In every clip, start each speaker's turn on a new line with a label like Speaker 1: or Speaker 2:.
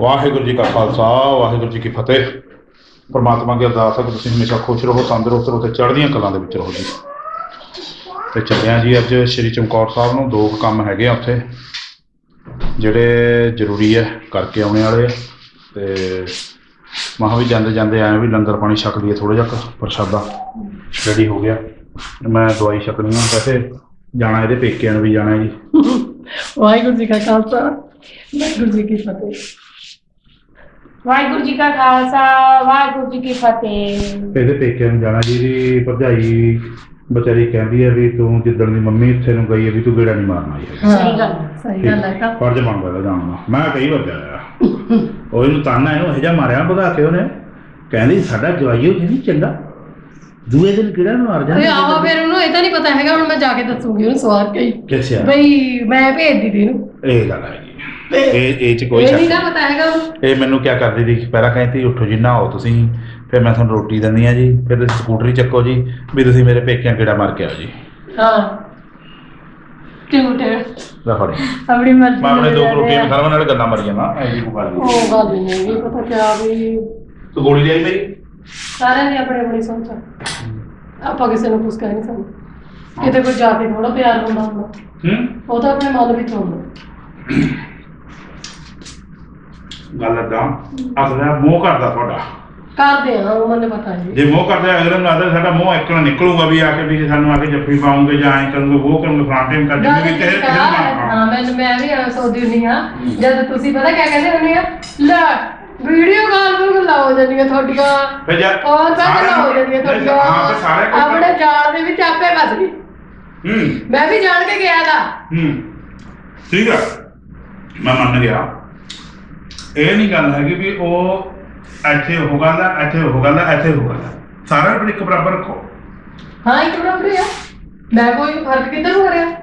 Speaker 1: ਵਾਹਿਗੁਰੂ ਜੀ ਕਾ ਖਾਲਸਾ ਵਾਹਿਗੁਰੂ ਜੀ ਕੀ ਫਤਿਹ। ਪਰਮਾਤਮਾ ਅੱਗੇ ਅਰਦਾਸ ਹੈ ਕਿ ਤੁਸੀਂ ਹਮੇਸ਼ਾ ਖੁਸ਼ ਰਹੋ, ਤੰਦਰੁਸਤ ਰਹੋ ਅਤੇ ਚੜ੍ਹਦੀਆਂ ਕਲਾਂ ਦੇ ਵਿੱਚ ਰਹੋ ਜੀ। ਅਤੇ ਚੱਲਿਆ ਜੀ ਅੱਜ ਸ਼੍ਰੀ ਚਮਕੌਰ ਸਾਹਿਬ ਨੂੰ। 2 ਕੰਮ ਹੈਗੇ ਆ ਉੱਥੇ ਜਿਹੜੇ ਜ਼ਰੂਰੀ ਹੈ, ਕਰਕੇ ਆਉਣੇ ਵਾਲੇ ਆ। ਅਤੇ ਮਹਾਂ ਵੀ ਜਾਂਦੇ ਜਾਂਦੇ ਆਏ ਵੀ ਲੰਗਰ ਪਾਣੀ ਛਕ ਲਈਏ, ਥੋੜ੍ਹਾ ਜਿਹਾ ਪ੍ਰਸ਼ਾਦਾ ਰੈਡੀ ਹੋ ਗਿਆ। ਮੈਂ ਦਵਾਈ ਛਕਣੀ ਆ, ਵੈਸੇ ਜਾਣਾ ਇਹਦੇ ਪੇਕਿਆਂ ਨੂੰ ਵੀ ਜਾਣਾ ਜੀ।
Speaker 2: ਵਾਹਿਗੁਰੂ ਜੀ ਕਾ ਖਾਲਸਾ ਵਾਹਿਗੁਰੂ ਜੀ ਕੀ ਫਤਿਹ।
Speaker 3: ਵਾਹਿਗੁਰੂ ਜੀ ਕਾ ਖਾਲਸਾ ਵਾਹਿਗੁਰੂ ਜੀ ਕੀ ਫਤਿਹ।
Speaker 1: ਇਹਦੇ ਪੇਕਿਆਂ ਨੂੰ ਜਾਣਾ ਜੀ। ਇਹਦੀ ਭਰਜਾਈ ਵਿਚਾਰੀ ਕਹਿੰਦੀ ਹੈ ਵੀ ਤੂੰ ਜਿੱਦਣ ਦੀ ਮੰਮੀ ਇੱਥੇ ਨੂੰ ਗਈ ਹੈ ਵੀ ਤੂੰ ਗੇੜਾ ਨਹੀਂ ਮਾਰਨਾ ਜੀ।
Speaker 2: ਸਹੀ ਗੱਲ ਹੈ।
Speaker 1: ਫਰਜ਼ ਬਣਦਾ ਇਹਦਾ ਜਾਣ ਦਾ। ਮੈਂ ਕਈ ਵਾਰ ਜਾਇਆ ਉਹ ਇਹਨੂੰ ਤਾਨਾ ਇਹਨੂੰ ਇਹੋ ਜਿਹਾ ਮਾਰਿਆ ਭਗਾ ਕੇ ਉਹਨੇ। ਕਹਿੰਦੀ ਸਾਡਾ ਜਵਾਈਓ ਕਹਿੰਦੀ ਚੰਗਾ, ਦੂਏ ਦਿਨ ਕਿਹੜਾ ਮਾਰ ਜਾਂਦਾ।
Speaker 2: ਆਹੋ ਫਿਰ ਉਹਨੂੰ ਇਹ ਤਾਂ ਨਹੀਂ ਪਤਾ ਹੈਗਾ। ਹੁਣ ਮੈਂ ਜਾ ਕੇ ਦੱਸੂਗੀ ਉਹਨੂੰ ਸਵਾਰ ਕੇ
Speaker 1: ਕਿੱਥੇ
Speaker 2: ਬਈ ਮੈਂ ਭੇਜਦੀ ਤੀ ਇਹਨੂੰ।
Speaker 1: ਇਹ ਗੱਲ ਹੈਗੀ ਇਹ ਚ ਕੋਈ
Speaker 2: ਨਹੀਂ ਨਾ ਪਤਾ ਹੈਗਾ।
Speaker 1: ਇਹ ਮੈਨੂੰ ਕਿਆ ਕਰਦੀ ਸੀ, ਪਹਿਲਾਂ ਕਹਿੰਦੀ ਉੱਠੋ ਜੀ ਨਹਾਓ ਤੁਸੀਂ, ਫਿਰ ਮੈਂ ਤੁਹਾਨੂੰ ਰੋਟੀ ਦਿੰਦੀ ਹਾਂ ਜੀ, ਫਿਰ ਤੁਸੀਂ ਸਕੂਟਰੀ ਚੱਕੋ ਜੀ ਵੀ ਤੁਸੀਂ ਮੇਰੇ ਪੇਕਿਆਂ ਕਿਹੜਾ ਮਾਰ ਕੇ ਆਓ ਜੀ।
Speaker 2: ਹਾਂ ਆਪਣੀ ਮਰਜ਼ੀ
Speaker 1: ਮੈਂ ਆਪਣੇ 2 ਰੋਟੀਆਂ ਖਾਣ ਨਾਲ ਗੱਲਾਂ ਮਾਰੀਆਂ ਨਾ। ਇਹ ਜੀ ਕੋਈ ਗੱਲ ਨਹੀਂ।
Speaker 2: ਉਹ ਗੱਲ ਨਹੀਂ ਪਤਾ ਕਿਆ ਵੀ
Speaker 1: ਤੂੰ ਗੋਲੀ ਲਿਆਈ ਮੇਰੀ।
Speaker 2: ਸਾਰਿਆਂ ਦੀ ਆਪਣੀ ਆਪਣੀ ਸੋਚ ਆ। ਆਪਾਂ ਕਿਸੇ ਨੂੰ ਕੁਛ ਕਹਿ ਨਹੀਂ ਸਕਦੇ। ਕਿਤੇ ਕੋਈ ਜਾ ਕੇ ਥੋੜਾ ਪਿਆਰ ਹੁੰਦਾ ਉਹ ਤਾਂ ਆਪਣੇ ਮਨ ਵਿੱਚ ਹੁੰਦਾ।
Speaker 1: ਗੱਲ ਏਦਾਂ ਅਸਲ ਮੋਹ ਕਰਦਾ ਤੁਹਾਡਾ
Speaker 2: ਕਰਦੇ ਆ ਉਹ ਮੈਨੂੰ ਪਤਾ ਹੈ।
Speaker 1: ਜੇ ਮੋਹ ਕਰਦੇ ਅਗਲੇ ਨੂੰ ਲੱਗਦਾ ਸਾਡਾ ਮੋਹ ਇੱਕਣਾ ਨਿਕਲੂਗਾ ਵੀ ਆ ਕੇ ਵੀ ਸਾਨੂੰ ਆ ਕੇ ਜੱਫੀ ਪਾਉਂਗੇ ਜਾਂ ਐਂ ਕਰੂਗੇ ਉਹ ਕਰੂਗੇ ਫਰਾਂਟੇ ਕਰ ਦਿੰਦੇ ਵੀ
Speaker 2: ਹਾਂ ਮੈਂ ਵੀ ਸੋਚਦੀ ਹੁੰਦੀ ਹਾਂ ਜਦ ਤੁਸੀਂ ਪਤਾ ਕਿਆ ਕਹਿੰਦੇ ਹੁੰਦੇ ਆ ਲੈ ਵੀਡੀਓ ਕਾਲ ਨੂੰ ਗੱਲਾਂ ਹੋ ਜਾਂਦੀਆਂ ਤੁਹਾਡੀਆਂ ਔਰ ਤਾਂ ਗੱਲਾਂ ਹੋ ਜਾਂਦੀਆਂ ਤੁਹਾਡੀਆਂ। ਆਪਣੇ ਜਾਲ ਦੇ ਵਿੱਚ ਆਪੇ ਫਸ ਗਈ। ਮੈਂ ਵੀ ਜਾਣ ਕੇ ਗਿਆ ਦਾ।
Speaker 1: ਠੀਕ ਆ ਮੈਂ ਮੰਨ ਗਿਆ। ਇਹ ਨਹੀਂ ਗੱਲ ਹੈਗੀ ਵੀ ਉਹ ਇੱਥੇ ਉਹ ਗੱਲ ਆ, ਇੱਥੇ ਉਹ ਗੱਲ ਆ, ਇੱਥੇ ਉਹ ਗੱਲ ਆ। ਸਾਰਿਆਂ ਨੂੰ ਇੱਕ ਬਰਾਬਰ ਰੱਖੋ।
Speaker 2: ਹਾਂ ਇੱਕ ਬਰਾਬਰ ਹੀ ਆ। ਮੈਂ ਕੋਈ ਫਰਕ ਕਿੱਧਰ ਹੋ ਰਿਹਾ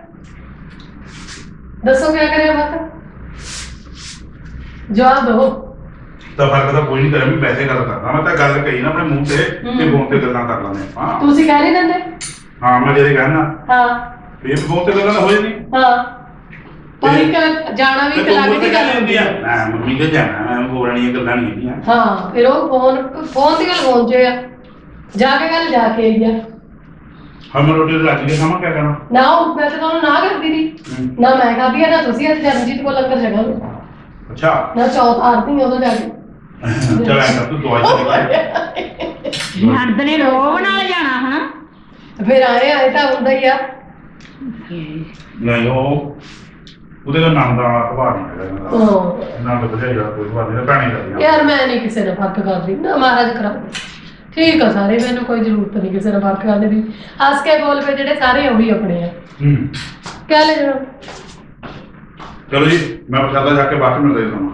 Speaker 2: ਦੱਸੋ ਕਿਆ ਕਰਿਆ ਬਸ ਜਵਾਬ ਦਿਓ।
Speaker 1: ਤਾਂ ਫਰਕ ਤਾਂ ਕੋਈ ਨਹੀਂ ਕਰਿਆ ਵੀ ਵੈਸੇ ਗੱਲ ਕਰਦਾ। ਮੈਂ ਤਾਂ ਗੱਲ ਕਹੀ ਨਾ ਆਪਣੇ ਮੂੰਹ ਤੇ ਤੇ ਫੋਨ ਤੇ ਗੱਲਾਂ ਕਰ ਲੈਂਦੇ ਆਪਾਂ।
Speaker 2: ਤੁਸੀਂ ਕਹਿ ਨਹੀਂ ਦਿੰਦੇ।
Speaker 1: ਹਾਂ ਮੈਂ ਜਿਹੜੇ ਕਹਿਣਾ
Speaker 2: ਹਾਂ
Speaker 1: ਵੀ ਫੋਨ ਤੇ ਗੱਲਾਂ ਤਾਂ ਹੋ ਜਾਂਦੀ।
Speaker 2: ਹਾਂ ਪਰ ਇੱਕ ਜਾਣਾ ਵੀ ਇੱਕ ਅਲੱਗ ਦੀ ਗੱਲ ਹੁੰਦੀ ਆ।
Speaker 1: ਮੈਂ ਮੰਮੀ ਕੇ ਜਾਣਾ, ਮੈਂ ਬੋਲਣੀਆਂ ਗੱਲਾਂ ਨਹੀਂ ਹੈਗੀਆਂ।
Speaker 2: ਹਾਂ ਫਿਰ ਉਹ ਫੋਨ ਦੀ ਗੱਲ ਫੋਨ 'ਚ ਆ, ਜਾ ਕੇ ਗੱਲ ਜਾ ਕੇ ਆਈ ਆ।
Speaker 1: ਹਮ ਰੋਟੀ ਰੱਜ ਕੇ ਖਾਵਾਂ ਕਿਆ ਕਰਨਾ
Speaker 2: ਨਾ ਉਹ ਮੈਂ ਤਾਂ ਤੁਹਾਨੂੰ ਨਾ ਕਰਦੀ ਸੀ ਨਾ ਮੈਂ ਖਾਧੀ ਆ ਨਾ ਤੁਸੀਂ ਅੱਜ ਜਰਨਜੀਤ ਕੋਲ ਲੰਗਰ ਛਕਾ ਲਓ।
Speaker 1: ਅੱਛਾ
Speaker 2: ਨਾ ਚੌਥ ਆਰਤੀ ਉਦੋਂ ਜਾ ਕੇ
Speaker 1: ਚਲ ਐਂ ਤੂੰ ਦਵਾਈ ਚੱਲ
Speaker 3: ਹਰਦ ਨੇ ਰੋਹ ਨਾਲ ਜਾਣਾ ਹਨਾ।
Speaker 2: ਫਿਰ ਆਏ ਤਾਂ ਹੁੰਦਾ ਹੀ ਆ।
Speaker 1: ਨਹੀਂ ਉਹ ਉਹਦੇ ਦਾ ਨਾਮ ਦਾ ਸੁਭਾਅ ਨਹੀਂ ਹੈਗਾ ਇਹਨਾਂ ਦਾ। ਨਾਮ ਤਾਂ ਬਜਾਈ ਦਾ ਕੋਈ ਸੁਭਾਅ ਨਹੀਂ ਭੈਣੀ ਦਾ
Speaker 2: ਯਾਰ ਮੈਂ ਨਹੀਂ ਕਿਸੇ ਨਾਲ ਫਰਕ ਕਰਦੀ ਨਾ ਮਹਾਰਾਜ ਕਰਾਉਂਦੇ। ਠੀਕ ਆ ਸਾਰੇ, ਮੈਨੂੰ ਕੋਈ ਜ਼ਰੂਰਤ ਨਹੀਂ ਕਿਸੇ ਨਾਲ ਫਰਕ ਕਰਨ ਦੀ। ਹੱਸ ਕੇ ਬੋਲ ਪਏ ਜਿਹੜੇ ਸਾਰੇ ਉਹੀ ਆਪਣੇ ਆ। ਕਹਿ ਲੈ ਜਣਾ
Speaker 1: ਚਲੋ ਜੀ ਮੈਂ ਪ੍ਰਸ਼ਾਦਾ ਜਾ ਕੇ ਬਾਅਦ ਚ ਮਿਲਦਾ ਤੁਹਾਨੂੰ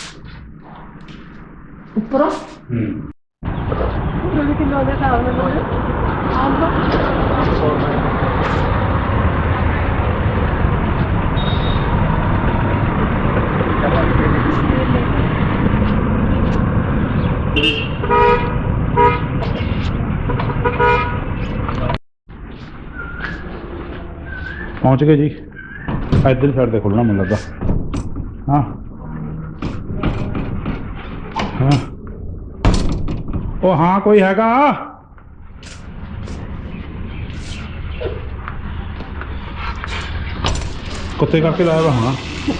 Speaker 2: ਉੱਪਰੋਂ ਕਿਲੋ ਦੇ ਹਿਸਾਬ ਨਾਲ
Speaker 1: ਪਹੁੰਚ ਗਏ ਜੀ। ਇੱਧਰ ਸਾਈਡ ਤੇ ਖੁੱਲਣਾ ਮੈਨੂੰ ਲੱਗਾ। ਹਾਂ ਹਾਂ ਉਹ ਹਾਂ ਕੋਈ ਹੈਗਾ ਕੁੱਤੇ ਕਰਕੇ ਲਾਇਆ ਵਾ ਹੋਣਾ।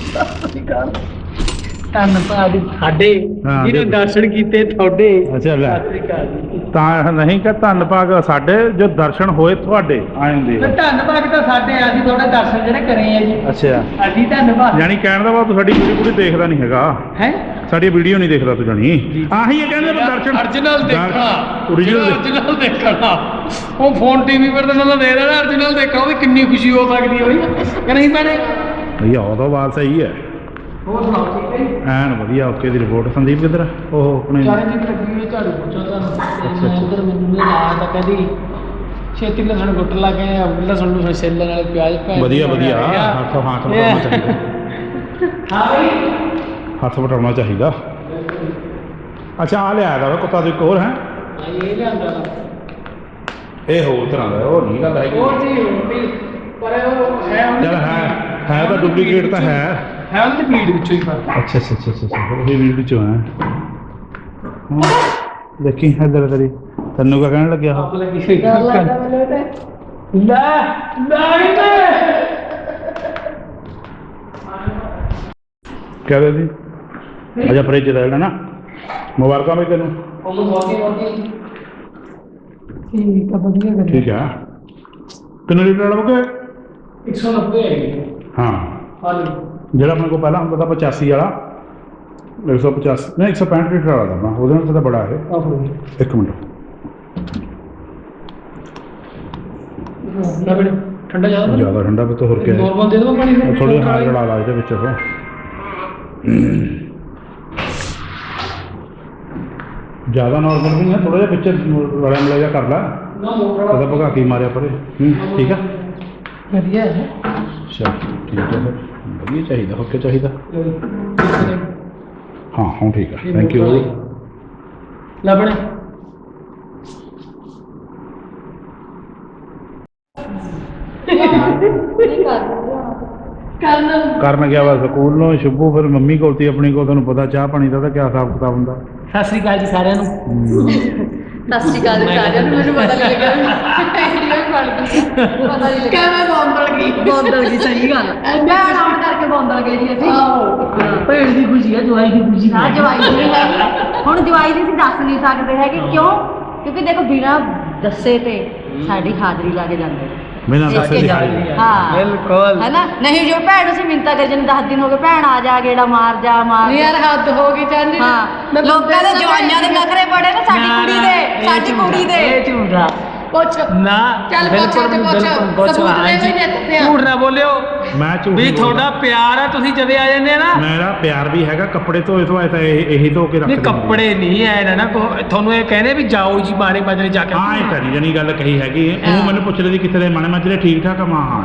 Speaker 2: ਧੰਨਵਾਦ ਸਾਡੇ ਜਿਹਨੇ ਦਰਸ਼ਨ ਕੀਤੇ ਤੁਹਾਡੇ।
Speaker 1: ਅੱਛਾ ਲੈ ਤਾਂ ਨਹੀਂ ਕਿ ਧੰਨ ਭਾਗ ਸਾਡੇ ਜੋ ਦਰਸ਼ਨ ਹੋਏ ਤੁਹਾਡੇ ਆਏ ਹੁੰਦੇ ਆ।
Speaker 2: ਧੰਨਵਾਦ ਤਾਂ ਸਾਡੇ ਅਸੀਂ ਤੁਹਾਡੇ ਦਰਸ਼ਨ ਜਿਹੜੇ ਕਰੇ ਆ ਜੀ।
Speaker 1: ਅੱਛਾ
Speaker 2: ਅਸੀਂ ਧੰਨਵਾਦ
Speaker 1: ਜਾਨੀ ਕਹਿਣ ਦਾ ਬਾਅਦ ਤੂੰ ਸਾਡੀ ਵੀਡੀਓ ਪੂਰੀ ਦੇਖਦਾ ਨਹੀਂ ਹੈਗਾ
Speaker 2: ਹੈ।
Speaker 1: ਸਾਡੀ ਵੀਡੀਓ ਨਹੀਂ ਦੇਖਦਾ ਤੂੰ ਜਾਨੀ ਆਹੀ ਇਹ ਕਹਿੰਦੇ ਦਰਸ਼ਨ
Speaker 2: origignal ਦੇਖਣਾ
Speaker 1: origignal
Speaker 2: ਦੇਖਣਾ। ਉਹ ਫੋਨ ਟੀਵੀ ਪਰ ਤਾਂ ਉਹਨਾਂ ਦੇ ਦੇਣਾ origignal ਦੇਖਣਾ। ਉਹਦੀ ਕਿੰਨੀ ਖੁਸ਼ੀ ਹੋ ਸਕਦੀ ਹੈ ਬਈ ਕਿ ਨਹੀਂ ਭੈਣੇ।
Speaker 1: ਭਈਆ ਉਹਦਾ ਬਾਤ ਸਹੀ ਹੈ।
Speaker 2: ਹੋਰ ਸੁਣਾਓ ਠੀਕ ਹੈ ਜੀ।
Speaker 1: ਐਨ ਵਧੀਆ ਓਕੇ ਦੀ ਰਿਪੋਰਟ। ਸੰਦੀਪ ਕਿੱਧਰ ਉਹ ਆਪਣੇ
Speaker 2: ਚਰਨਜੀਤ ਲੱਗੀ ਹੋਈ ਝਾੜੂ ਪੋਚਾ ਤੁਹਾਨੂੰ ਇੱਧਰ ਮੈਨੂੰ ਨੇ ਲਾਇਆ ਤਾਂ ਕਹਿੰਦੀ ਛੇਤੀ ਲਸਣ ਗੁੱਟ ਲਾ ਕੇ ਲਸਣ ਨੂੰ ਛਿੱਲਣ ਵਾਲੇ ਪਿਆਜ਼ ਪੈ
Speaker 1: ਵਧੀਆ ਵਧੀਆ ਹੱਥ ਵਟਾਉਣਾ ਚਾਹੀਦਾ।
Speaker 2: ਹਾਂ ਬਈ
Speaker 1: ਹੱਥ ਵਟਾਉਣਾ ਚਾਹੀਦਾ। ਅੱਛਾ ਆ ਲਿਆਇਆ ਦਾ ਕੁੱਤਾ ਤੋਂ ਇੱਕ ਹੋਰ ਹੈ।
Speaker 2: ਇਹ ਲਿਆਂਦਾ
Speaker 1: ਇਹ ਹੋਰ ਤਰ੍ਹਾਂ ਦਾ ਉਹ ਨਹੀਂ ਗੱਲ ਹੈਗੀ।
Speaker 2: ਹੋਰ ਜੀ ਪਰ ਉਹ ਹੈ
Speaker 1: ਚੱਲ ਹੈ ਤਾਂ ਡੁਪਲੀਕੇਟ ਤਾਂ ਹੈ
Speaker 4: ਹੈ ਉਹਦੇ ਫੀਡ ਵਿੱਚੋਂ ਹੀ ਫਰਕ
Speaker 1: ਅੱਛਾ ਉਹ ਵੀ ਵਿੱਚੋਂ ਹੈ ਦੇਖੀ ਇੱਧਰ ਕਰੀ ਤੈਨੂੰ ਕਿਆ ਕਹਿਣ ਲੱਗਿਆ ਉਹ
Speaker 4: ਲੱਗੀ ਸੀ
Speaker 2: ਡਰ ਲੱਗਦਾ ਮੈਨੂੰ ਤੇ
Speaker 4: ਨਹੀਂ
Speaker 1: ਕਿਆ ਦੇ ਦੀ ਅਜਾ ਫਰਿੱਜ ਦਾ ਲੈਣਾ ਨਾ ਮੁਬਾਰਕਾਂ ਬਈ ਤੈਨੂੰ
Speaker 4: ਉਹ ਬਹੁਤ
Speaker 2: ਠੀਕ ਆ ਵਧੀਆ ਗੱਲ
Speaker 1: ਠੀਕ ਆ ਕਿੰਨੇ ਲੀਟਰ ਵਾਲਾ ਬੁਕੇ
Speaker 4: 190 ਹੈ
Speaker 1: ਹਾਂ
Speaker 4: ਹਾਲੀ
Speaker 1: ਜਿਹੜਾ ਆਪਣੇ ਕੋਲ ਪਹਿਲਾਂ ਹੁੰਦਾ ਤਾਂ 85 ਵਾਲਾ 185 ਨਹੀਂ 165 ਲੀਟਰ ਵਾਲਾ ਦਾ ਉਹਦੇ ਨਾਲ ਤਾਂ ਬੜਾ ਹੈ
Speaker 4: ਆਹੋ
Speaker 1: ਇੱਕ ਮਿੰਟ
Speaker 4: ਨਾ ਬੜੇ ਠੰਡਾ ਜ਼ਿਆਦਾ
Speaker 1: ਜ਼ਿਆਦਾ ਠੰਡਾ ਵੀ ਤਾਂ ਹੋਰ ਕਿਆ ਹੈ
Speaker 4: ਨੋਰਮਲ ਦੇ ਦੋ ਪਾਣੀ
Speaker 1: ਥੋੜੀ ਹਾਰ ਰਲਾ ਲਾ ਇਹਦੇ ਵਿੱਚ ਉਹ ਜ਼ਿਆਦਾ ਨਾਰਮਲ ਵੀ ਨਹੀਂ ਥੋੜਾ ਜਿਹਾ ਵਿੱਚ ਰਲਿਆ ਮਿਲਿਆ ਜਿਹਾ ਕਰ ਲਾ
Speaker 4: ਨਾ ਮੋਟਰ
Speaker 1: ਉਹਦਾ ਭਗਾ ਕੇ ਮਾਰਿਆ ਪਰੇ ਠੀਕ ਆ
Speaker 2: ਵਧੀਆ ਹੈ
Speaker 1: ਅੱਛਾ ਠੀਕ ਹੈ ਫਿਰ ਵਧੀਆ ਚਾਹੀਦਾ ਹੋ ਕੇ ਚਾਹੀਦਾ ਹਾਂ ਹੁਣ ਠੀਕ ਆ ਥੈਂਕ ਯੂ
Speaker 4: ਲੱਭਣੇ
Speaker 1: ਕਰਨ ਗਿਆ ਵਾ ਸਕੂਲ ਨੂੰ ਸ਼ੁਭੂ ਫਿਰ ਮੰਮੀ ਕੋਲ ਤੀ ਆਪਣੀ ਕੋਲ ਤੁਹਾਨੂੰ ਪਤਾ ਚਾਹ ਪਾਣੀ ਦਾ ਤਾਂ ਕਿਆ ਹਿਸਾਬ ਕਿਤਾਬ ਹੁੰਦਾ
Speaker 4: ਸਤਿ ਸ੍ਰੀ ਅਕਾਲ ਜੀ ਸਾਰਿਆਂ ਨੂੰ
Speaker 2: ਸਤਿ ਸ਼੍ਰੀ ਅਕਾਲ ਸਾਰਿਆਂ ਨੂੰ ਮੈਨੂੰ ਪਤਾ ਨਹੀਂ ਲੱਗਾ ਵੀਡੀਓ ਵੀ ਬਣ ਗਈ ਪਤਾ ਨਹੀਂ ਲੱਗਾ ਕਿਵੇਂ ਬੌਂਦਲ ਗਈ ਸਹੀ ਗੱਲ ਮੈਂ ਆਉਣ ਕਰਕੇ ਬੌਂਦਲ ਗਏ ਜੀ ਅਸੀਂ
Speaker 4: ਭੇੜ ਦੀ ਖੁਸ਼ੀ ਹੈ ਜਵਾਈ ਦੀ ਖੁਸ਼ੀ
Speaker 5: ਨਾ ਜਵਾਈ ਦੀ ਨਹੀਂ ਹੈਗੀ ਹੁਣ ਜਵਾਈ ਦੀ ਅਸੀਂ ਦੱਸ ਨਹੀਂ ਸਕਦੇ ਹੈਗੇ ਕਿਉਂ ਕਿਉਂਕਿ ਦੇਖੋ ਬਿਨਾਂ ਦੱਸੇ ਤੇ ਸਾਡੀ ਹਾਜ਼ਰੀ ਲਾ ਕੇ ਜਾਂਦੇ
Speaker 1: ਬਿਨਾਂ ਦੱਸੇ ਦੀ
Speaker 5: ਹਾਂ
Speaker 4: ਬਿਲਕੁਲ
Speaker 5: ਹੈ ਨਾ ਨਹੀਂ ਜੋ ਭੈਣ ਅਸੀਂ ਮਿੰਤਾ ਕਰ ਜਨ 10 ਦਿਨ ਹੋ ਗਏ ਭੈਣ ਆ ਜਾ ਗੇੜਾ ਮਾਰ ਜਾ
Speaker 2: ਨਹੀਂ ਯਾਰ ਹੱਦ ਹੋ ਗਈ ਚਾਂਦੀ
Speaker 5: ਹਾਂ ਲੋਕਾਂ ਦੇ ਜਵਾਈਆਂ ਦੇ ਨਖਰੇ ਬੜੇ ਨੇ ਸਾਡੀ ਕੁੜੀ ਦੇ
Speaker 4: ਇਹ ਝੂਠਾ
Speaker 2: ਪੁੱਛ
Speaker 4: ਨਾ
Speaker 2: ਚੱਲ ਪੁੱਛ ਤੇ ਪੁੱਛ ਸਬੂਤ ਦੇ ਵੀ ਨੇ ਦਿੱਤੇ ਆ
Speaker 4: ਝੂਠ ਨਾ ਬੋਲਿਓ
Speaker 1: ਮੈਂ ਝੂਠ
Speaker 4: ਵੀ
Speaker 1: ਨਹੀਂ
Speaker 4: ਤੁਹਾਡਾ ਪਿਆਰ ਆ ਤੁਸੀਂ ਜਦੇ ਆ ਜਾਂਦੇ ਆ ਨਾ
Speaker 1: ਮੇਰਾ ਪਿਆਰ ਵੀ ਹੈਗਾ ਕੱਪੜੇ ਧੋਏ ਧੋਏ ਤਾਂ ਇਹੀ ਧੋ ਕੇ
Speaker 4: ਨਹੀਂ
Speaker 1: ਰੱਖਦੇ
Speaker 4: ਕੱਪੜੇ ਨਹੀਂ ਐ ਨਾ ਤੁਹਾਨੂੰ ਇਹ ਕਹਿੰਦੇ ਵੀ ਜਾਓ ਜੀ ਬਾਰੇ ਬਾਜਰੇ ਜਾ ਕੇ
Speaker 1: ਹਾਂ ਇਹ ਤਾਂ ਨਹੀਂ ਜਣੀ ਗੱਲ ਕਹੀ ਹੈਗੀ ਉਹ ਮੈਨੂੰ ਪੁੱਛ ਰਹੀ ਕਿੱਥੇ ਦੇ ਮਾਣੇ ਮਾਜਰੇ ਠੀਕ ਠਾਕ ਆ ਮਾਂ ਹਾਂ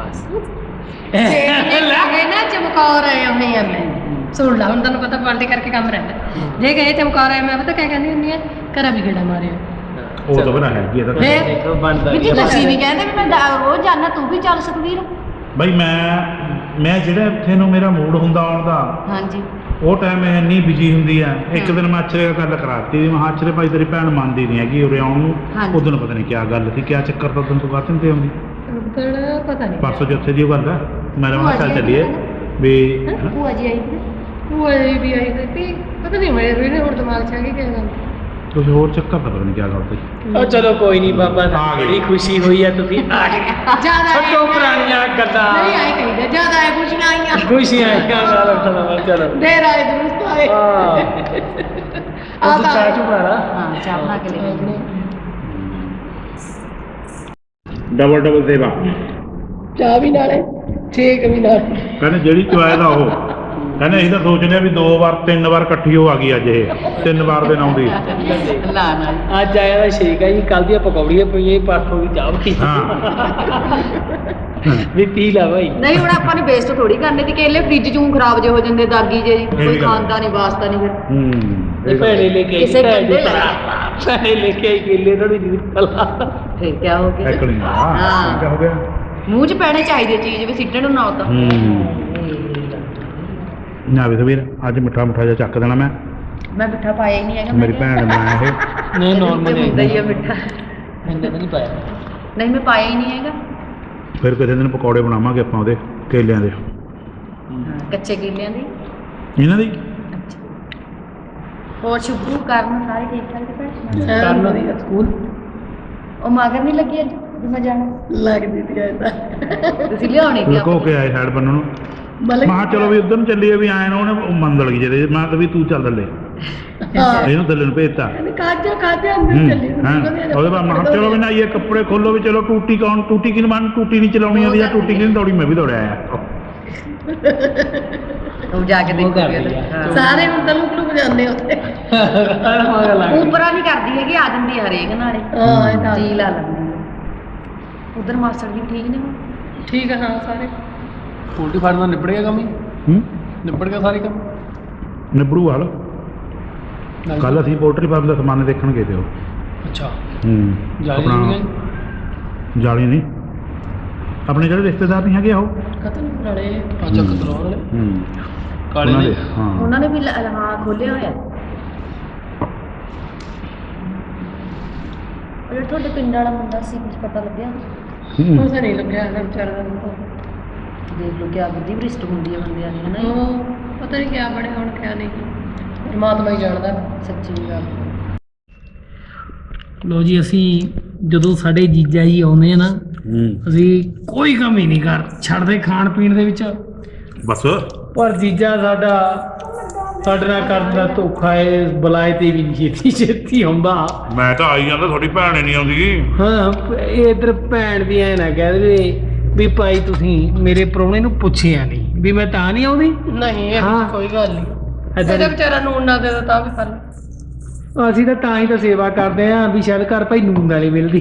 Speaker 1: ਠੀਕ
Speaker 2: ਲੱਗੇ ਨਾ ਚਮਕੌਰ ਆਏ ਹੋਏ ਆ ਮੈਂ ਸੁਣ ਲਾ ਹੁਣ ਤੁਹਾਨੂੰ ਪਤਾ ਪਾਰਟੀ ਕਰਕੇ ਕੰਮ ਰਹਿੰਦਾ ਜੇ ਗਏ ਚਮਕੌਰ ਆਏ ਮੈਂ ਪਤਾ ਕਿਆ ਕਹਿੰਦੀ ਹੁੰਦੀ ਆ ਘਰਾਂ ਵੀ ਗੇੜਾ ਮਾਰਿਆ
Speaker 1: ਉਹ ਤਾਂ ਬਣਾ ਹੈਗੀ ਇਹਦਾ
Speaker 2: ਫੇਰ?
Speaker 4: ਦੇਖੋ ਬਣਦਾ
Speaker 5: ਵੀ ਤੁਸੀਂ ਵੀ ਕਹਿੰਦੇ ਵੀ ਮੈਂ ਰੋਜ਼ ਜਾਣਾ ਤੂੰ ਵੀ ਚੱਲ ਸੁਖਵੀਰ
Speaker 1: ਬਈ ਮੈਂ ਜਿਹੜਾ ਇੱਥੇ ਨੂੰ ਮੇਰਾ ਮੂਡ ਹੁੰਦਾ ਆਉਣ ਦਾ
Speaker 5: ਹਾਂਜੀ
Speaker 1: ਉਹ ਟਾਈਮ ਮੈਂ ਇੰਨੀ ਬਿਜੀ ਹੁੰਦੀ ਆ ਇੱਕ ਦਿਨ ਮੈਂ ਅਛਰੇ ਗੱਲ ਕਰਾਤੀ ਵੀ ਮੈਂ ਅਛਰੇ ਭਾਈ ਤੇਰੀ ਭੈਣ ਮੰਨਦੀ ਨਹੀਂ ਹੈਗੀ ਉਰੇ ਆਉਣ ਨੂੰ
Speaker 5: ਹਾਂਜੀ।
Speaker 1: ਉਦੋਂ ਪਤਾ ਨਹੀਂ ਕਿਆ ਗੱਲ ਸੀ ਕਿਆ ਚੱਕਰ ਤਾਂ ਉਦੋਂ ਤੂੰ ਕਾਹਤੇ ਤੇ ਆਉਂਦੀ
Speaker 2: ਪਤਾ ਨਹੀਂ
Speaker 1: ਪਰਸੋਂ ਜਿੱਥੇ ਦੀ ਉਹ ਗੱਲ ਆ ਮੈਂ ਕਿਹਾ ਚੱਲ ਚੱਲੀਏ ਵੀ
Speaker 5: ਭੂਆ ਜੀ ਆਈ ਸੀ
Speaker 2: ਉਹ ਅਜੇ ਵੀ ਆਈ ਹੋਈ ਸੀ ਪਤਾ ਨਹੀਂ ਮੇਰੇ ਵੀ ਹੁਣ ਦਿਮਾਗ 'ਚ ਆ ਗਈ ਕਿਆ ਗੱਲ
Speaker 1: ਤੁਸੀਂ ਹੋਰ ਚੱਕਰ ਤਾਂ ਪਤਾ ਨਹੀਂ ਕਿਆ ਗੱਲ ਸੀ
Speaker 4: ਉਹ ਚਲੋ ਕੋਈ ਨਹੀਂ ਬਾਬਾ
Speaker 1: ਆ ਗਏ।
Speaker 4: ਬੜੀ ਖੁਸ਼ੀ ਹੋਈ ਆ ਤੁਸੀਂ ਆ ਗਏ
Speaker 2: ਜ਼ਿਆਦਾ
Speaker 4: ਛੱਡੋ ਪੁਰਾਣੀਆਂ ਗੱਲਾਂ
Speaker 2: ਨਹੀਂ ਆਏ ਕਹੀਦਾ ਜ਼ਿਆਦਾ ਆਏ ਕੁਛ ਨਾ ਆਈਆਂ
Speaker 4: ਖੁਸ਼ੀਆਂ ਆਈਆਂ ਨਾਲ ਖਣਾ ਚਲੋ
Speaker 2: ਦੇਰ ਆਏ ਦਰੁਸਤ ਆਏ
Speaker 4: ਹਾਂ
Speaker 2: ਆ
Speaker 4: ਉਹ
Speaker 2: ਤਾਂ
Speaker 4: ਚਾਹ ਚੂ ਬਣਾ
Speaker 5: ਹਾਂ ਚਾਹ ਬਣਾ ਕੇ ਲੈ ਕੇ
Speaker 1: ਡਬਲ ਸੇਵਾ
Speaker 2: ਚਾਹ ਵੀ ਨਾਲੇ ਛੇਕ ਵੀ ਨਾਲੇ
Speaker 1: ਕਹਿੰਦੇ ਜਿਹੜੀ ਚੁਆਇ ਦਾ ਉਹ ਕਹਿੰਦੇ ਅਸੀਂ ਤਾਂ ਸੋਚਦੇ ਆ ਵੀ 2 ਵਾਰ 3 ਵਾਰ ਇਕੱਠੀ ਹੋ ਆ ਗਈ ਅੱਜ ਇਹ 3 ਵਾਰ ਦੇ ਨਾਉਂਦੀ
Speaker 5: ਲਾ ਨਾਲ
Speaker 4: ਅੱਜ ਆਇਆ ਦਾ ਸ਼ੇਕ ਹੈ ਜੀ ਕੱਲ ਦੀਆਂ ਪਕੌੜੀਆਂ ਪਈਆਂ ਪਾਸੋਂ ਦੀ ਚਾਹ ਪਈ
Speaker 1: ਹਾਂ
Speaker 4: ਵੀ ਪੀ ਲਾ ਭਾਈ
Speaker 5: ਨਹੀਂ ਹੁਣ ਆਪਾਂ ਨੇ ਵੇਸਟ ਥੋੜੀ ਕਰਨੇ ਤੇ ਕੇਲੇ ਫ੍ਰਿਜ ਚੋਂ ਖਰਾਬ ਜੇ ਹੋ ਜਾਂਦੇ ਦਾਗੀ ਜੇ ਕੋਈ
Speaker 1: ਗੱਲ।
Speaker 5: ਖਾਂਦਾ ਨਹੀਂ ਵਾਸਤਾ ਨਹੀਂ ਫਿਰ
Speaker 4: ਇਹ ਭੈਣੇ ਲੈ ਕੇ
Speaker 5: ਕਿਸੇ ਕਹਿੰਦੇ
Speaker 4: ਭੈਣੇ ਲੈ ਕੇ ਆਈ ਕੇਲੇ ਥੋੜੀ ਜਿਹੀ ਕਲਾ
Speaker 5: ਫਿਰ ਕੀ ਹੋ ਗਿਆ
Speaker 1: ਐਕਲਿੰਗ
Speaker 5: ਹਾਂ।
Speaker 1: ਕਿਆ ਹੋ ਗਿਆ
Speaker 5: ਮੂੰਹ 'ਚ ਪੈਣੇ ਚਾਹੀਦੀ ਚੀਜ਼ ਵੀ ਸਿੱਟਣ ਨੂੰ ਨਾ ਉਤਾ
Speaker 1: ਨਾ ਵੀ ਵੀਰ ਅੱਜ ਮਿੱਠਾ ਜਿਹਾ ਚੱਕ ਦੇਣਾ ਮੈਂ
Speaker 5: ਮੈਂ ਮਿੱਠਾ ਪਾਇਆ ਹੀ ਨਹੀਂ ਹੈਗਾ
Speaker 1: ਮੇਰੀ ਭੈਣ ਨੇ ਬਣਾਇਆ ਇਹ
Speaker 4: ਨਹੀਂ ਨਾਰਮਲ
Speaker 5: ਹੁੰਦਾ ਹੀ ਆ ਮਿੱਠਾ
Speaker 4: ਮੈਂਨੇ ਤਾਂ ਨਹੀਂ ਪਾਇਆ
Speaker 5: ਨਹੀਂ ਮੈਂ ਪਾਇਆ ਹੀ ਨਹੀਂ ਹੈਗਾ
Speaker 1: ਫਿਰ ਕਿਸੇ ਦਿਨ ਪਕੌੜੇ ਬਣਾਵਾਂਗੇ ਆਪਾਂ ਉਹਦੇ ਕੇਲਿਆਂ ਦੇ
Speaker 5: ਕੱਚੇ ਕੇਲਿਆਂ ਦੀ
Speaker 1: ਇਹਨਾਂ ਦੀ
Speaker 5: ਹੋਰ ਸ਼ੁਭੂ ਕਰਨ ਸਾਰੇ ਠੀਕ ਠਾਕ ਤੇ ਭੈਣ
Speaker 4: ਕਰਨ ਦੀ ਸਕੂਲ
Speaker 5: ਉਹ ਮਗਰ ਨਹੀਂ ਲੱਗੀ ਅੱਜ ਵੀ ਮੈਂ ਜਾਣਾ
Speaker 2: ਲੱਗਦੀ ਸੀ ਐਦਾ
Speaker 5: ਤੁਸੀਂ ਲਿਆਉਣੀ ਸੀ
Speaker 1: ਲੁਕੋ ਕੇ ਆਏ ਸਾਈਡ ਬੰਨਣ ਨੂੰ ਮਾਂ ਚਲੋ ਵੀ ਉਧਰ ਨੂੰ ਚੱਲੀਏ ਵੀ ਆਏ ਨਾ ਉਹਨੇ ਮੰਦਲ ਗਈ ਜਿਹੜੇ ਮੈਂ ਤਾਂ ਵੀ ਤੂੰ ਚੱਲ ਲੈ ਇਹਨੂੰ ਥੱਲੇ ਨੂੰ ਭੇਜਤਾ
Speaker 2: ਕਾਜਾ ਅੰਦਰ ਚੱਲੀ
Speaker 1: ਉਹਦੇ ਬਾਅਦ ਮੈਂ ਚਲੋ ਵੀ ਨਾ ਇਹ ਕੱਪੜੇ ਖੋਲੋ ਵੀ ਚਲੋ ਟੂਟੀ ਕੌਣ ਟੂਟੀ ਕਿਨ ਮਨ ਟੂਟੀ ਨਹੀਂ ਚਲਾਉਣੀ ਆਉਂਦੀ ਜਾਂ ਟੂਟੀ ਕਿਨ ਦੌੜੀ ਮੈਂ ਵੀ ਦੌੜਿਆ ਆ
Speaker 5: ਤੂੰ ਜਾ ਕੇ ਦੇਖੋਗੇ
Speaker 2: ਸਾਰੇ ਅੰਦਰ ਲੁਕ ਜਾਂਦੇ ਉੱਥੇ
Speaker 5: ਉਪਰਾ ਨਹੀਂ ਕਰਦੀ ਹੈਗੀ ਆ ਜਾਂਦੀ ਹਰੇਕ ਨਾਲੇ
Speaker 2: ਹਾਂ ਇਹ ਤਾਂ
Speaker 5: ਜੀ ਲਾ ਲੈਂਦੀ ਉਧਰ ਮਾਸਟਰ ਜੀ ਠੀਕ ਨੇ ਹੁਣ
Speaker 2: ਠੀਕ ਹੈ ਹਾਂ ਸਾਰੇ
Speaker 4: ਪੋਲਟਰੀ ਫਾਰਮ ਦਾ ਨਿਬੜ ਗਿਆ ਕੰਮ ਹੀ
Speaker 1: ਹੂੰ
Speaker 4: ਨਿਬੜ ਗਿਆ ਸਾਰੇ ਕੰਮ
Speaker 1: ਨਿਬੜੂ ਹਾਲ ਕੱਲ ਅਸੀਂ ਪੋਲਟਰੀ ਫਾਰਮ ਦਾ ਸਮਾਨ ਦੇਖਣ ਗਏ ਤੇ ਉਹ
Speaker 4: ਅੱਛਾ
Speaker 1: ਹੂੰ
Speaker 4: ਜਾਲੀ ਨਹੀਂ
Speaker 1: ਜਾਲੀ ਨਹੀਂ ਆਪਣੇ ਜਿਹੜੇ ਰਿਸ਼ਤੇਦਾਰ ਨਹੀਂ ਹੈਗੇ ਉਹ
Speaker 2: ਖਤਮ ਨਾਲੇ ਪਾਚਾ ਕਤਰੋਂ ਵਾਲੇ ਕਾਲੇ
Speaker 1: ਉਹਨਾਂ
Speaker 2: ਨੇ
Speaker 1: ਦੇ ਹਾਂ
Speaker 5: ਉਹਨਾਂ ਨੇ ਵੀ ਹਾਂ ਖੋਲਿਆ ਹੋਇਆ ਉਹ ਜਿਹੜਾ ਤੁਹਾਡੇ ਪਿੰਡ ਵਾਲਾ ਮੁੰਡਾ ਸੀ ਕੁਝ ਪਤਾ ਲੱਗਿਆ
Speaker 2: ਕੁਛ ਨਹੀਂ ਲੱਗਿਆ ਇਹਦਾ ਵਿਚਾਰਾ ਦਾ
Speaker 5: ਦੇਖ ਲਓ ਕਿਆ ਬੁੱਧੀ ਭ੍ਰਿਸ਼ਟ ਹੁੰਦੀ ਹੈ ਬੰਦਿਆਂ ਦੀ ਹਨਾ
Speaker 2: ਉਹ ਪਤਾ ਨਹੀਂ ਕਿਆ ਬਣਿਆ ਹੁਣ ਕਿਆ ਨਹੀਂ ਪਰਮਾਤਮਾ ਹੀ ਜਾਣਦਾ
Speaker 5: ਸੱਚੀ ਗੱਲ
Speaker 4: ਲੋ ਜੀ ਅਸੀਂ ਜਦੋਂ ਸਾਡੇ ਜੀਜਾ ਜੀ ਆਉਂਦੇ ਆ ਨਾ ਅਸੀਂ ਕੋਈ ਕਮੀ ਨਹੀਂ ਛੱਡਦੇ ਖਾਣ ਪੀਣ ਦੇ ਵਿੱਚ
Speaker 1: ਬਸ
Speaker 4: ਪਰ ਜੀਜਾ ਸਾਡਾ ਸਾਡੇ ਨਾਲ ਕਰਦਾ ਧੋਖਾ ਹੈ ਬੁਲਾਏ ਤੇ ਵੀ ਨਹੀਂ ਛੇਤੀ ਆਉਂਦਾ
Speaker 1: ਮੈਂ ਤਾਂ ਆਈ ਜਾਂਦਾ ਤੁਹਾਡੀ ਭੈਣ ਹੀ ਨਹੀਂ ਆਉਂਦੀ
Speaker 4: ਹਾਂ ਇਹ ਇਧਰ ਭੈਣ ਵੀ ਐ ਨਾ ਕਹਿ ਦੇਵੇ ਵੀ ਭਾਈ ਤੁਸੀਂ ਮੇਰੇ ਪ੍ਰਾਹੁਣੇ ਨੂੰ ਪੁੱਛਿਆ ਨਹੀਂ ਵੀ ਮੈਂ ਤਾਂ ਨਹੀਂ ਆਉਂਦੀ
Speaker 2: ਨਹੀਂ ਇਹ
Speaker 4: ਹਾਂ।
Speaker 2: ਕੋਈ ਗੱਲ ਨਹੀਂ
Speaker 4: ਏਦਾਂ
Speaker 2: ਇਹਦਾ
Speaker 4: ਦੀ-
Speaker 2: ਵਿਚਾਰਾ ਨੂਨ ਨਾ ਦੇ ਦੋ ਤਾਂ ਵੀ ਫਲ
Speaker 4: ਅਸੀਂ ਤਾਂ ਹੀ ਤਾਂ ਸੇਵਾ ਕਰਦੇ ਆਂ ਵੀ ਸ਼ਾਇਦ ਘਰ ਭਾਈ ਨੂਨ ਵਾਲੀ ਮਿਲਦੀ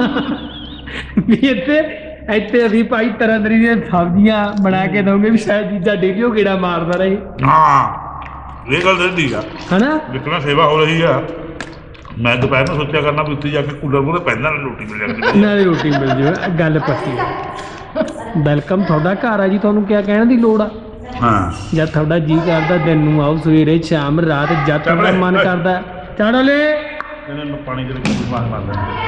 Speaker 4: ਵੀ ਇੱਥੇ ਅਸੀਂ ਭਾਈ ਤਰ੍ਹਾਂ ਦੀਆਂ ਸਬਜ਼ੀਆਂ ਬਣਾ ਕੇ ਦਵਾਂਗੇ ਵੀ ਸ਼ਾਇਦ ਜੀਜਾ ਡੇਲੀ ਉਹ ਗੇੜਾ ਮਾਰਦਾ ਰਹੇ
Speaker 1: ਹਾਂ ਇਹ ਗੱਲ ਸੱਚੀ ਆ
Speaker 4: ਹਨਾ
Speaker 1: ਜਿੱਕਣਾ ਸੇਵਾ ਹੋ ਰਹੀ ਆ ਮੈਂ ਦੁਪਹਿਰ ਨੂੰ ਸੋਚਿਆ ਕਰਨਾ ਵੀ ਉੱਥੇ ਜਾ ਕੇ ਕੂਲਰ ਮੂਹਰੇ ਪਹਿਲਾਂ ਰੋਟੀ ਮਿਲ ਜਾਂਦੀ
Speaker 4: ਨਾਲੇ ਰੋਟੀ ਮਿਲ ਜਾਵੇ ਗੱਲ ਪੱਕੀ ਹੈ ਵੈਲਕਮ ਤੁਹਾਡਾ ਘਰ ਆ ਜੀ ਤੁਹਾਨੂੰ ਕਿਆ ਕਹਿਣ ਦੀ ਲੋੜ ਆ
Speaker 1: ਹਾਂ
Speaker 4: ਜਦ ਤੁਹਾਡਾ ਜੀ ਕਰਦਾ ਦਿਨ ਨੂੰ ਆਓ ਸਵੇਰੇ ਸ਼ਾਮ ਰਾਤ ਜਦ ਤੁਹਾਡਾ ਮਨ ਕਰਦਾ ਚਾੜਾ ਲੈ
Speaker 1: ਇਹਨਾਂ ਨੂੰ ਪਾਣੀ ਦੇ ਵਿੱਚ ਮਾਰ ਮਾਰ ਦਿੰਦੇ